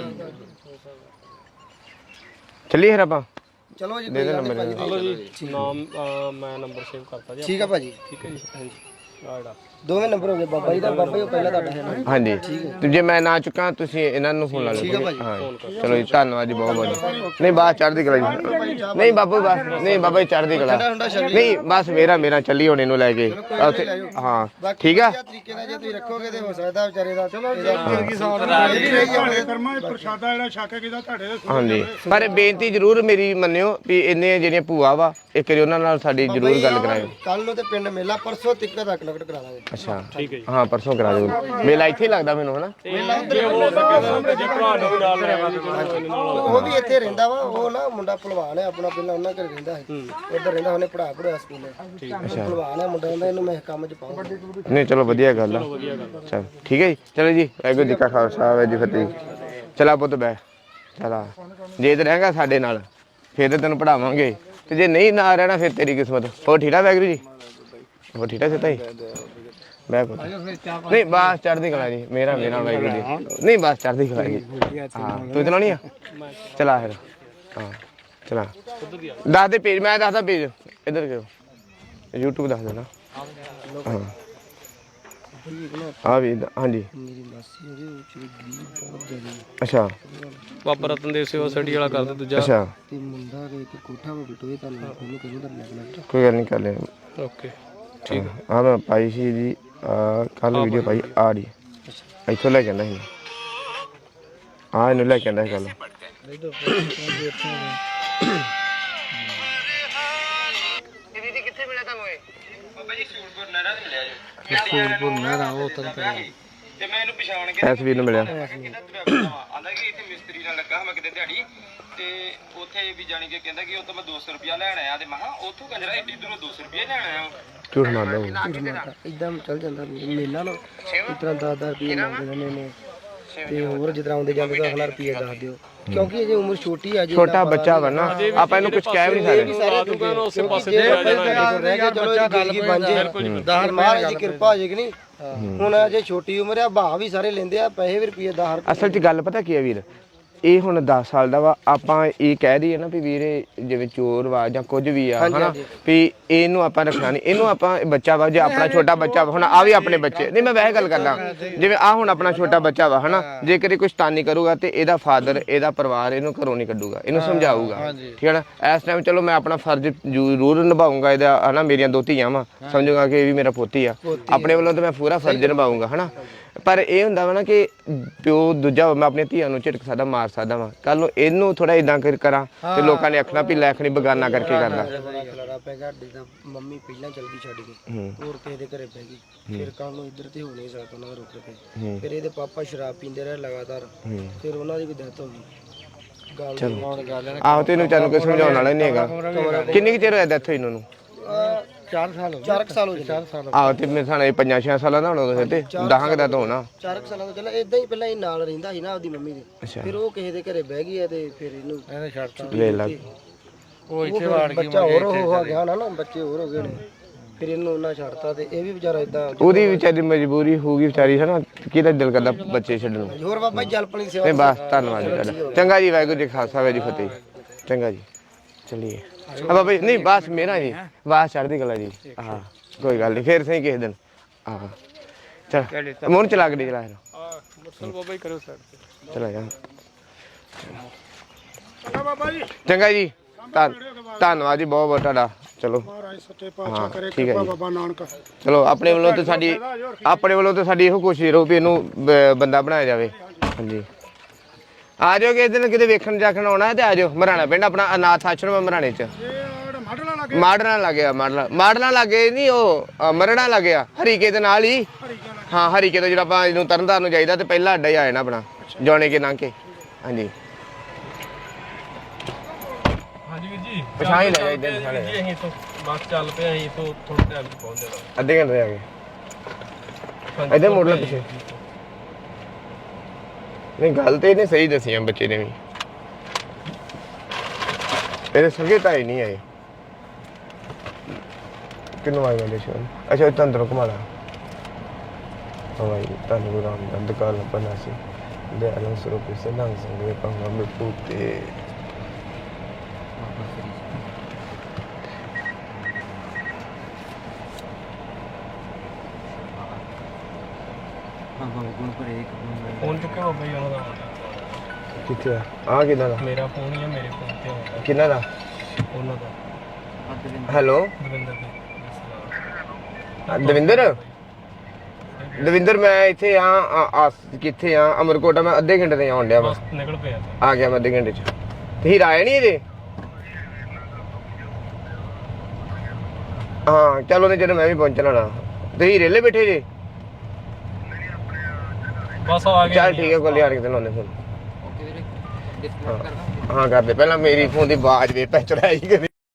ਚੱਲੀਏ ਫਿਰ ਆਪਾਂ ਚਲੋ ਜੀ ਦੇ ਦੇ ਨੰਬਰ ਨਾਮ ਮੈਂ ਨੰਬਰ ਸੇਵ ਕਰਤਾ ਜੀ ਠੀਕ ਆ ਭਾਜੀ ਠੀਕ ਹੈ ਜੀ ਹਾਂਜੀ ਆੜਾ ਦੋਵੇਂ ਨੰਬਰ ਹੋ ਗਏ ਬਾਬਾ ਜੀ ਦਾ ਬਾਬਾ ਜੀ ਉਹ ਪਹਿਲਾਂ ਤੁਹਾਡਾ ਹੈ ਨਾ ਹਾਂਜੀ ਤੇ ਜੇ ਮੈਂ ਨਾ ਚੁੱਕਾਂ ਤੁਸੀਂ ਇਹਨਾਂ ਨੂੰ ਫੋਨ ਲਾ ਲਓ ਹਾਂ ਚਲੋ ਜੀ ਧੰਨਵਾਦ ਜੀ ਬਹੁਤ ਬਹੁਤ ਨਹੀਂ ਬਾਸ ਚੜ੍ਹਦੀ ਕਲਾ ਜੀ ਨਹੀਂ ਬਾਬੂ ਬਸ ਨਹੀਂ ਬਾਬਾ ਜੀ ਚੜ੍ਹਦੀ ਕਲਾ ਨਹੀਂ ਬਸ ਮੇਰਾ ਚੱਲੀ ਹੁਣ ਇਹਨੂੰ ਲੈ ਕੇ ਉੱਥੇ ਹਾਂ ਠੀਕ ਆ ਤਰੀਕੇ ਨਾਲ ਜੇ ਤੁਸੀਂ ਰੱਖੋਗੇ ਤੇ ਹੋ ਸਕਦਾ ਵਿਚਾਰੇ ਦਾ ਚਲੋ ਕਰਮਾਂ ਦੇ ਪ੍ਰਸ਼ਾਦਾ ਜਿਹੜਾ ਛੱਕ ਕੇ ਕਿਦਾ ਤੁਹਾਡੇ ਦੇ ਹਾਂਜੀ ਪਰ ਬੇਨਤੀ ਜ਼ਰੂਰ ਮੇਰੀ ਮੰਨਿਓ ਵੀ ਇੰਨੇ ਜਿਹੜੀਆਂ ਭੂਆ ਵਾ ਇੱਕ ਵਾਰੀ ਉਹਨਾਂ ਨਾਲ ਸਾਡੀ ਜ਼ਰੂਰ ਗੱਲ ਕਰਾਇਓ ਕੱਲ ਨੂੰ ਤੇ ਪਿੰਡ ਮੇਲਾ ਪਰਸੋਂ ਤੱਕ ਦਾ ਕਲਕਟ ਕਰਾ ਦਾਂਗੇ ਅੱਛਾ ਹਾਂ ਪਰਸੋਂ ਕਰਾ ਦਿਓ ਮੇਲਾ ਇੱਥੇ ਹੀ ਲੱਗਦਾ ਮੈਨੂੰ ਹਨਾ ਉਹ ਵੀ ਇੱਥੇ ਰਹਿੰਦਾ ਵਾ ਉਹ ਨਾ ਮੁੰਡਾ ਭਲਵਾਨ ਹੈ ਆਪਣਾ ਪਹਿਲਾਂ ਉਹਨਾਂ ਘਰ ਰਹਿੰਦਾ ਸੀ ਉੱਧਰ ਰਹਿੰਦਾ ਉਹਨੇ ਪੜ੍ਹਾਇਆ ਸਕੂਲੇ ਭਲਵਾਨ ਹੈ ਮੁੰਡਾ ਕਹਿੰਦਾ ਇਹਨੂੰ ਮੈਂ ਕੰਮ 'ਚ ਪਾਉਂਗਾ ਨਹੀਂ ਚਲੋ ਵਧੀਆ ਗੱਲ ਆ ਚਲ ਠੀਕ ਹੈ ਜੀ ਚਲੋ ਜੀ ਵਾਹਿਗੁਰੂ ਜੀ ਕਾ ਖਾਲਸਾ ਵਾਹਿਗੁਰੂ ਜੀ ਕੀ ਫਤਿਹ ਚਲਾ ਪੁੱਤ ਬੈ ਚਲਾ ਜੇ ਤੇ ਰਹੇਗਾ ਸਾਡੇ ਨਾਲ ਫਿਰ ਤੇ ਤੈਨੂੰ ਪੜਾਵਾਂਗੇ ਤੇ ਜੇ ਨਹੀਂ ਨਾ ਰਹਿਣਾ ਫਿਰ ਤੇਰੀ ਕਿਸਮਤ ਹੋਰ ਠੀਕ ਆ ਵਾਹਿਗੁਰੂ ਜੀ ਹੋਰ ਠੀਕ ਆ ਸਿੱਧਾ ਹੀ ਮੈਂ ਪੁੱਤ ਨਹੀਂ ਬਸ ਚੜ੍ਹਦੀ ਕਲਾ ਜੀ ਮੇਰਾ ਵਾਹਿਗੁਰੂ ਜੀ ਨਹੀਂ ਬਸ ਚੜ੍ਹਦੀ ਕਲਾ ਜੀ ਹਾਂ ਤੂੰ ਚਲਾਉਣੀ ਆ ਚਲਾ ਫਿਰ ਹਾਂ ਚਲਾ ਦੱਸ ਦੇ ਪੇਜ ਮੈਂ ਦੱਸਦਾ ਪੇਜ ਇੱਧਰ ਕਿਉਂ YouTube ਦੱਸ ਦੇਣਾ ਹਾਂ ਆ ਵੀ ਹਾਂਜੀ ਅੱਛਾ ਬਾਬਾ ਰਤਨਦੇਵ ਸੇਵਾ ਸਟੱਡੀ ਵਾਲਾ ਕਰਦਾ ਦੂਜਾ ਅੱਛਾ ਤੇ ਮੁੰਡਾ ਦੇ ਇੱਕ ਕੋਠਾ ਵਾ ਬਿਟੋਏ ਤੁਹਾਨੂੰ ਉਹਨੂੰ ਕਿਹਨੂੰ ਦਾ ਲੱਗਣਾ ਕੋਈ ਗੱਲ ਨਹੀਂ ਕਰ ਲੈ ਓਕੇ ਠੀਕ ਆ ਮੈਂ ਪਾਈ ਸੀ ਜੀ ਕੱਲ ਵੀਡੀਓ ਪਾਈ ਆ ਰਹੀ ਇੱਥੋਂ ਲੈ ਕੇ ਆਂਦਾ ਸੀ ਆ ਇਹਨੂੰ ਲੈ ਕੇ ਆਂਦਾ ਸੀ ਕੱਲ ਦੀਦੀ ਕਿੱਥੇ ਮਿਲਿਆ ਤੁਹਾਨੂੰ ਇਹ ਬਾਬਾ ਜੀ ਸੂਰਪੁਰ ਨਹਿਰਾ ਤੇ ਮਿਲਿਆ ਜੀ ਸੂਰਪੁਰ ਨਹਿਰਾ ਉਹ ਤਾਂ ਤੇ ਮੈਂ ਇਹਨੂੰ ਪਛਾਣ ਕੇ ਐਸ ਵੀਰ ਨੂੰ ਮਿਲਿਆ ਆਂਦਾ ਕਿ ਇੱਥੇ ਮਿਸਤਰੀ ਨਾਲ ਲੱਗਾ ਮੈਂ ਕਿਤੇ ਦਿਹਾੜੀ ਤੇ ਉੱਥੇ ਵੀ ਜਾਣੀ ਕਿ ਕਹਿੰਦਾ ਕਿ ਉਹ ਤੋਂ ਮੈਂ 200 ਰੁਪਿਆ ਲੈਣ ਆਇਆ ਤੇ ਮੈਂ ਕਿਹਾ ਉੱਥੋਂ ਕੰਜਰਾ ਏਡੀ ਦੂਰੋਂ 200 ਰੁਪਿਆ ਲੈਣ ਆਇਆ ਝੂਠ ਮਾਰਦਾ ਇਦਾਂ ਚੱਲ ਜਾਂਦਾ ਮੇਲਾ ਨਾ ਇਸ ਤਰ੍ਹਾਂ 10-10 ਰੁਪਏ ਮੰਗਦੇ ਨੇ ਤੇ ਹੋਰ ਜਿੱਦਾਂ ਆਉਂਦੇ ਜਾਂਦੇ 10,000 ਰੁਪਏ ਦੱਸ ਦਿਓ ਕਿਉਂਕਿ ਅਜੇ ਉਮਰ ਛੋਟੀ ਆ ਜੀ ਛੋਟਾ ਬੱਚਾ ਵਾ ਨਾ ਆਪਾਂ ਇਹਨੂੰ ਕੁਝ ਕਹਿ ਵੀ ਨਹੀਂ ਸਕਦੇ ਉਸੇ ਪਾਸੇ ਤੇ ਆ ਜਾਣਾ ਰਹਿ ਗਿਆ ਚਲੋ ਗੱਲ ਬਣ ਜੇ 10 ਮਹਾਰਾਜ ਦੀ ਕਿਰਪਾ ਹੋ ਜੇ ਕਿ ਨਹੀਂ ਹੁਣ ਅਜੇ ਛੋਟੀ ਉਮਰ ਆ ਭਾਅ ਵੀ ਸਾਰੇ ਲੈਂਦੇ ਆ ਪੈਸੇ ਵੀ ਰੁਪਏ 10 ਅਸਲ 'ਚ ਗੱਲ ਪਤਾ ਕੀ ਹੈ ਵੀਰ ਇਹ ਹੁਣ 10 ਸਾਲ ਦਾ ਵਾ ਆਪਾਂ ਇਹ ਕਹਿ ਦਈਏ ਨਾ ਵੀ ਵੀਰੇ ਜਿਵੇਂ ਚੋਰ ਵਾ ਜਾਂ ਕੁਝ ਵੀ ਆ ਹਨਾ ਵੀ ਇਹਨੂੰ ਆਪਾਂ ਰੱਖਣਾ ਨਹੀਂ ਇਹਨੂੰ ਆਪਾਂ ਬੱਚਾ ਵਾ ਜੇ ਆਪਣਾ ਛੋਟਾ ਬੱਚਾ ਵਾ ਹੁਣ ਆ ਵੀ ਆਪਣੇ ਬੱਚੇ ਨਹੀਂ ਮੈਂ ਵੈਸੇ ਗੱਲ ਕਰਦਾ ਜਿਵੇਂ ਆ ਹੁਣ ਆਪਣਾ ਛੋਟਾ ਬੱਚਾ ਵਾ ਹਨਾ ਜੇਕਰ ਇਹ ਕੁਛ ਤਾਨੀ ਕਰੂਗਾ ਤੇ ਇਹਦਾ ਫਾਦਰ ਇਹਦਾ ਪਰਿਵਾਰ ਇਹਨੂੰ ਘਰੋਂ ਨਹੀਂ ਕੱਢੂਗਾ ਇਹਨੂੰ ਸਮਝਾਊਗਾ ਠੀਕ ਹੈ ਨਾ ਇਸ ਟਾਈਮ ਚਲੋ ਮੈਂ ਆਪਣਾ ਫਰਜ਼ ਜ਼ਰੂਰ ਨਿਭਾਊਂਗਾ ਇਹਦਾ ਹਨਾ ਮੇਰੀਆਂ 2 ਧੀਆਂ ਵਾ ਸਮਝੂਗਾ ਕਿ ਇਹ ਵੀ ਮੇਰਾ ਪੋਤੀ ਆ ਆਪਣੇ ਵੱਲੋਂ ਤਾਂ ਮੈਂ ਪੂਰਾ ਫਰਜ਼ ਨਿਭਾਊਂਗਾ ਹਨਾ ਪਰ ਇਹ ਹੁੰਦਾ ਵਾ ਨਾ ਕਿ ਪਿਓ ਦੂਜਾ ਮੈਂ ਆਪਣੀਆਂ ਧੀਆਂ ਨੂੰ ਝਿੜਕ ਸਕਦਾ ਮਾਰ ਸਕਦਾ ਵਾ ਕੱਲ ਨੂੰ ਇਹਨੂੰ ਥੋੜਾ ਇਦਾਂ ਕਰਾਂ ਤੇ ਲੋਕਾਂ ਨੇ ਆਖਣਾ ਵੀ ਲੈਖਣੀ ਬਗਾਨਾ ਕਰਕੇ ਕਰਦਾ ਖਲਾਰਾ ਪੈ ਗਿਆ ਜਿੱਦਾਂ ਮੰਮੀ ਪਹਿਲਾਂ ਚਲ ਗਈ ਛੱਡ ਕੇ ਹੋਰ ਕਿਸੇ ਦੇ ਘਰੇ ਪੈ ਗਈ ਫਿਰ ਕੱਲ ਨੂੰ ਇੱਧਰ ਤੇ ਹੋ ਨਹੀਂ ਸਕਦਾ ਉਹਨਾਂ ਦਾ ਰੁਕ ਕੇ ਫਿਰ ਇਹਦੇ ਪਾਪਾ ਸ਼ਰਾਬ ਪੀਂਦੇ ਰਹੇ ਲਗਾਤਾਰ ਫਿਰ ਉਹਨਾਂ ਦੀ ਵੀ ਡੈਥ ਹੋ ਗਈ ਗੱਲ ਆਹੋ ਤੇ ਇਹਨੂੰ ਚਾਨੂੰ ਕੋਈ ਸਮਝਾਉਣ ਵਾਲਾ ਨਹੀਂ ਹੈਗਾ ਕਿੰਨੀ ਕੁ ਚਿਰ ਹੋਇਆ ਡੈਥ ਹੋਈ ਇਹਨਾਂ ਨੂੰ 4 ਸਾਲ ਹੋ ਗਏ 4 ਸਾਲ ਆਹੋ ਤੇ ਮੇਰੇ ਸਾਲੇ 5-6 ਸਾਲਾਂ ਦਾ ਹੋਣਾ ਤੇ 10 ਕੁ ਦਾ ਤਾਂ ਹੋਣਾ 4 ਸਾਲਾਂ ਤੋਂ ਚੱਲ ਇਦਾਂ ਹੀ ਪਹਿਲਾਂ ਇਹ ਨਾਲ ਰਹਿੰਦਾ ਸੀ ਨਾ ਆਪਦੀ ਮੰਮੀ ਦੇ ਅੱਛਾ ਫਿਰ ਉਹ ਕਿਸੇ ਦੇ ਘਰੇ ਬਹਿ ਗਈ ਹੈ ਤੇ ਫਿਰ ਇਹਨੂੰ ਇਹਨੇ ਛੱਡਤਾ ਲੈ ਲਾ ਉਹ ਇੱਥੇ ਵਾੜ ਗਈ ਬੱਚਾ ਹੋਰ ਹੋ ਗਿਆ ਨਾ ਬੱਚੇ ਹੋਰ ਹੋ ਗਏ ਨੇ ਫਿਰ ਇਹਨੂੰ ਉਹਨਾਂ ਛੱਡਤਾ ਤੇ ਇਹ ਵੀ ਵਿਚਾਰਾ ਇਦਾਂ ਉਹਦੀ ਵਿਚਾਰੀ ਮਜਬੂਰੀ ਹੋਊਗੀ ਵਿਚਾਰੀ ਹੈ ਨਾ ਕਿਹਦਾ ਦਿਲ ਕਰਦਾ ਬੱਚੇ ਛੱਡਣ ਨੂੰ ਹੋਰ ਬਾਬਾ ਜੀ ਜਲਪਣੀ ਸੇਵਾ ਨਹੀਂ ਬਸ ਧੰਨਵਾਦ ਜੀ ਤੁਹਾਡਾ ਚੰਗਾ ਜੀ ਵਾਹਿਗੁਰੂ ਜੀ ਖਾਲਸਾ ਵਾਹਿਗੁਰੂ ਜੀ ਫਤਿਹ ਚੰਗਾ ਜੀ ਚਲਿਏ ਆ ਬਾਬਾ ਜੀ ਨਹੀਂ ਬਸ ਮੇਰਾ ਜੀ ਬਸ ਚੜ੍ਹਦੀ ਕਲਾ ਜੀ ਹਾਂ ਕੋਈ ਗੱਲ ਨਹੀਂ ਫੇਰ ਸਹੀ ਕਿਸੇ ਦਿਨ ਹਾਂ ਚਲ ਮੋਹਨ ਚਲਾ ਕੇ ਚਲਾ ਮੁਰਸਲ ਬਾਬਾ ਹੀ ਕਰੋ ਸਾਈਡ ਤੇ ਚਲਾ ਜਾ ਬਾਬਾ ਜੀ ਚੰਗਾ ਜੀ ਧੰਨਵਾਦ ਜੀ ਬਹੁਤ ਬਹੁਤ ਤੁਹਾਡਾ ਚਲੋ ਮਹਾਰਾਜ ਸੱਚੇ ਪਾਤਸ਼ਾਹ ਕਰੇ ਠੀਕ ਹੈ ਕਿਰਪਾ ਜੀ ਬਾਬਾ ਨਾਨਕ ਚਲੋ ਆਪਣੇ ਵੱਲੋਂ ਤੇ ਸਾਡੀ ਇਹੋ ਕੋਸ਼ਿਸ਼ ਰਹੋ ਵੀ ਇਹਨੂੰ ਬੰਦਾ ਬਣਾਇਆ ਜਾਵੇ ਹਾਂਜੀ ਆ ਜਾਓ ਕਿਸੇ ਦਿਨ ਕਿਤੇ ਵੇਖਣ ਜਾਖਣ ਆਉਣਾ ਹੈ ਤੇ ਆ ਜਾਓ ਮਰਾਣਾ ਪਿੰਡ ਆਪਣਾ ਅਨਾਥ ਆਸ਼ਰਮ ਮਰਾਣੇ ਚ ਮਾਡਲਾ ਲੱਗੇ ਮਾਡਲਾਂ ਲੱਗਿਆ ਮਾਡਲਾਂ ਲੱਗੇ ਨਹੀਂ ਉਹ ਮਰੜਾ ਲੱਗਿਆ ਹਰੀਕੇ ਦੇ ਨਾਲ ਹੀ ਹਾਂ ਹਰੀਕੇ ਤੋਂ ਜਿਹੜਾ ਆਪਾਂ ਇਹਨੂੰ ਤਰਨਤਾਰਨ ਨੂੰ ਜਾਈਦਾ ਤੇ ਪਹਿਲਾ ਅੱਡਾ ਹੀ ਆ ਜਾਣਾ ਆਪਣਾ ਜੋਣੇ ਕੇ ਲੰਘ ਕੇ ਹਾਂਜੀ ਹਾਂਜੀ ਵੀਰ ਜੀ ਪਛਾਣ ਹੀ ਲਿਆ ਇੱਧਰ ਪਛਾਣ ਜੀ ਲਿਆ ਅਸੀਂ ਤੋਂ ਬਸ ਚੱਲ ਪਏ ਅਸੀਂ ਤੋਂ ਥੋੜੇ ਟਾਈਮ ਚ ਪਹੁੰਚ ਜਾਣਾ ਅੱਧੇ ਘੰਟੇ ਆ ਗਏ ਇੱਧਰ ਮੋੜ ਲੈ ਪਿੱਛੇ ਨਹੀਂ ਗੱਲ ਤੇ ਇਹਨੇ ਸਹੀ ਦੱਸੀ ਆ ਬੱਚੇ ਨੇ ਵੀ ਇਹਦੇ ਸਗੇ ਤਾਂ ਹੀ ਨਹੀਂ ਆਏ ਕਿੰਨੂੰ ਆਏ ਵਾਲੇ ਸ਼ੋਨ ਅੱਛਾ ਇਹ ਅੰਦਰੋਂ ਘੁਮਾ ਲਾ ਹਵਾਈ ਤੁਹਾਨੂੰ ਗੁਰੂ ਰਾਮਦਾਸ ਦੁਕਾਨ ਬਣਾ ਸੀ ਦੇ ਅਲੰਗ ਸਰੂਪ ਸੇ ਲੰਘ ਸੰਗੇ ਪੰਗਾ ਮੇ ਪੂਤੇ ਫੋਨ ਚੁੱਕਿਆ ਬਾਬਾ ਜੀ ਉਹਨਾਂ ਦਾ ਕਿੱਥੇ ਆ ਕਿਹਦਾ ਦਾ ਮੇਰਾ ਫੋਨ ਹੀ ਆ ਮੇਰੇ ਫੋਨ ਤੇ ਆਉਂਦਾ ਕਿਹਨਾਂ ਦਾ ਉਹਨਾਂ ਦਾ ਹੈਲੋ ਦਵਿੰਦਰ ਦਵਿੰਦਰ ਦਵਿੰਦਰ ਮੈਂ ਇੱਥੇ ਆ ਕਿੱਥੇ ਆ ਅਮਰਕੋਟਾ ਮੈਂ ਅੱਧੇ ਘੰਟੇ ਤੇ ਆਉਣ ਡਿਆ ਵਾ ਬਸ ਨਿਕਲ ਪਿਆ ਆ ਗਿਆ ਮੈਂ ਅੱਧੇ ਘੰਟੇ ਚ ਤੇ ਹੀਰਾ ਆਇਆ ਨਹੀਂ ਇਹਦੇ ਹਾਂ ਚਲੋ ਨੇ ਜਦੋਂ ਮੈਂ ਵੀ ਪਹੁੰਚਣਾ ਨਾ ਤੇ ਹੀਰੇ ਲੈ ਬੈਠੇ ਜੇ ਬਸ ਆ ਗਿਆ ਚੱਲ ਠੀਕ ਹੈ ਕੋਲ ਯਾਰ ਕਿਤੇ ਲਾਉਂਦੇ ਫੋਨ ਹਾਂ ਕਰਦੇ ਪਹਿਲਾਂ ਮੇਰੀ ਫੋਨ ਦੀ ਆਵਾਜ਼ ਵੇ ਪੈ ਚੜਾਈ ਕਰੀ